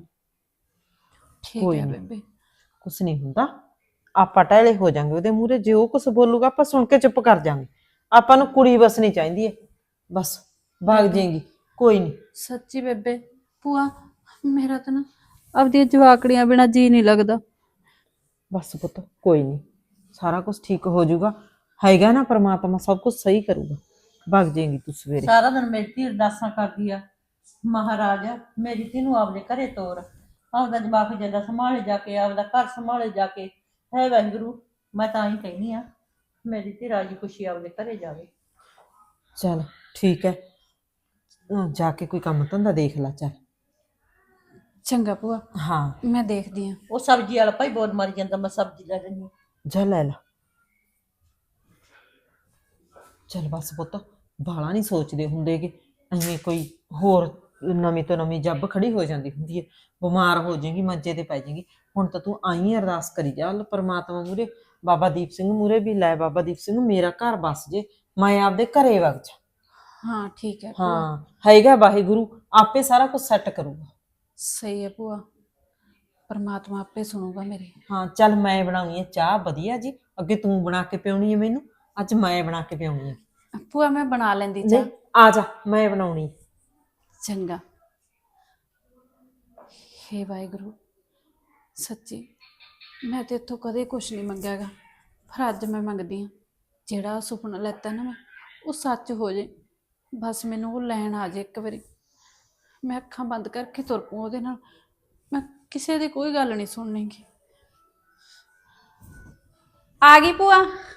Speaker 8: ਠੀਕ
Speaker 7: ਕੋਈ
Speaker 8: ਹੈ
Speaker 7: ਨੀ।
Speaker 8: ਬੇਬੇ।
Speaker 7: ਕੁਛ ਨਹੀਂ ਹੁੰਦਾ, ਆਪਾਂ ਟਹਿਲੇ ਹੋ ਜਾਾਂਗੇ ਉਹਦੇ ਮੂਹਰੇ। ਜੇ ਉਹ ਕੁਛ ਬੋਲੂਗਾ ਆਪਾਂ ਸੁਣ ਕੇ ਚੁੱਪ ਕਰ ਜਾਾਂਗੇ। ਆਪਾਂ ਨੂੰ ਕੁੜੀ ਵਸਣੀ ਚਾਹੀਦੀ ਹੈ, ਬਸ ਭਾਗ ਜਾਏਗੀ। ਕੋਈ ਨਹੀਂ।
Speaker 8: ਸੱਚੀ ਬੇਬੇ, ਭੂਆ ਮੇਰਾ ਤਾਂ ਨਾ ਆਪਦੀਆਂ ਜਵਾਕੜੀਆਂ ਬਿਨਾਂ ਜੀ ਨਹੀਂ ਲੱਗਦਾ।
Speaker 7: ਬਸ ਪੁੱਤ ਕੋਈ ਨਹੀਂ, ਸਾਰਾ ਕੁਝ ਠੀਕ ਹੋ ਜਾਊਗਾ। ਹੈਗਾ ਨਾ ਪਰਮਾਤਮਾ, ਸਭ ਕੁਝ ਸਹੀ ਕਰੂਗਾ। ਭਾਗ ਜਾਏਗੀ ਤੂੰ ਸਵੇਰੇ।
Speaker 1: ਸਾਰਾ ਦਿਨ ਮੇਰੀ ਧੀ ਅਰਦਾਸਾਂ ਕਰਦੀ ਆ, ਮਹਾਰਾਜ ਮੇਰੀ ਧੀ ਨੂੰ ਆਪਦੇ ਘਰੇ ਤੋਰ, ਆਪਦਾ ਜਵਾਕ ਜਿੱਦਾਂ ਸੰਭਾਲੇ ਜਾ ਕੇ, ਆਪਦਾ ਘਰ ਸੰਭਾਲੇ ਜਾ ਕੇ। ਹੈ ਵਾਹਿਗੁਰੂ, ਮੈਂ ਤਾਂ ਹੀ ਕਹਿੰਦੀ ਆ ਮੇਰੀ ਧੀ ਰਾਜੀ ਖੁਸ਼ੀ ਆਪਦੇ ਘਰੇ ਜਾਵੇ।
Speaker 7: ਚੱਲ ਠੀਕ ਹੈ, ਜਾ ਕੇ ਕੋਈ ਕੰਮ ਧੰਦਾ ਦੇਖ ਲੈ। ਚੱਲ
Speaker 8: ਚੰਗਾ ਭੂਆ,
Speaker 7: ਹਾਂ,
Speaker 8: ਮੈਂ ਦੇਖਦੀ ਹਾਂ।
Speaker 1: ਉਹ ਸਬਜ਼ੀ ਵਾਲਾ ਭਾਈ ਬੋਲ ਮਾਰੀ ਜਾਂਦਾ, ਮੈਂ ਸਬਜ਼ੀ ਲੈ ਲੈਂਦੀ ਹਾਂ।
Speaker 7: ਜਾ ਲੈ ਲਾ। ਚੱਲ ਬਸ ਪੁੱਤ, ਬਾਲਾ ਨਹੀਂ ਸੋਚਦੇ ਹੁੰਦੇਗੇ। ਐਵੇਂ ਕੋਈ ਹੋਰ ਨਵੀਂ ਤੋਂ ਨਵੀਂ ਜੱਬ ਖੜੀ ਹੋ ਜਾਂਦੀ ਹੁੰਦੀ ਹੈ। ਬਿਮਾਰ ਹੋ ਜਾਏਗੀ, ਮੰਜੇ ਤੇ ਪੈ ਜਾਏਗੀ। ਹੁਣ ਤਾਂ ਤੂੰ ਆਈ ਅਰਦਾਸ ਕਰੀ ਜਾ ਪਰਮਾਤਮਾ ਮੂਹਰੇ, ਬਾਬਾ ਦੀਪ ਸਿੰਘ ਮੂਹਰੇ ਵੀ। ਲੈ ਬਾਬਾ ਦੀਪ ਸਿੰਘ, ਮੇਰਾ ਘਰ ਬਸ ਜੇ, ਮੈਂ ਆਪਦੇ ਘਰੇ ਵਗ ਜਾ।
Speaker 8: ਹਾਂ ਠੀਕ ਹੈ ਭੂਆ।
Speaker 7: ਹਾਂ ਹੈਗਾ ਵਾਹਿਗੁਰੂ, ਆਪੇ ਸਾਰਾ ਕੁਝ ਸੈੱਟ ਕਰੂਗਾ।
Speaker 8: ਸਹੀ ਹੈ ਭੂਆ, ਪਰਮਾਤਮਾ ਆਪੇ ਸੁਣੂਗਾ ਮੇਰੇ।
Speaker 7: ਹਾਂ ਚੱਲ, ਮੈਂ ਬਣਾਉਣੀ ਹੈ ਚਾਹ ਵਧੀਆ ਜੀ। ਅੱਗੇ ਤੂੰ ਬਣਾ ਕੇ ਪਿਉਣੀ ਹੈ ਮੈਨੂੰ, ਅੱਜ ਮੈਂ ਬਣਾ ਕੇ ਪਿਉਣੀ ਹੈ।
Speaker 8: ਭੂਆ ਮੈਂ ਬਣਾ ਲੈਂਦੀ
Speaker 7: ਨਹੀਂ,
Speaker 8: ਚਾਹ।
Speaker 7: ਆ ਜਾ, ਮੈਂ ਬਣਾਉਣੀ।
Speaker 8: ਚੰਗਾ। ਹੇ ਵਾਹਿਗੁਰੂ, ਸੱਚੀ ਮੈਂ ਤੇ ਇੱਥੋਂ ਕਦੇ ਕੁਛ ਨਹੀਂ ਮੰਗਿਆਗਾ, ਪਰ ਅੱਜ ਮੈਂ ਮੰਗਦੀ ਹਾਂ ਜਿਹੜਾ ਸੁਪਨਾ ਲੈਤਾ ਨਾ ਮੈਂ, ਉਹ ਸੱਚ ਹੋ ਜੇ। ਬਸ ਮੈਨੂੰ ਉਹ ਲੈਣ ਆ ਜੇ ਇੱਕ ਵਾਰੀ, ਮੈਂ ਅੱਖਾਂ ਬੰਦ ਕਰਕੇ ਤੁਰ ਪਊ ਉਹਦੇ ਨਾਲ। ਮੈਂ ਕਿਸੇ ਦੀ ਕੋਈ ਗੱਲ ਨਹੀਂ ਸੁਣਨੀਗੀ। ਆ ਗਈ ਭੂਆ।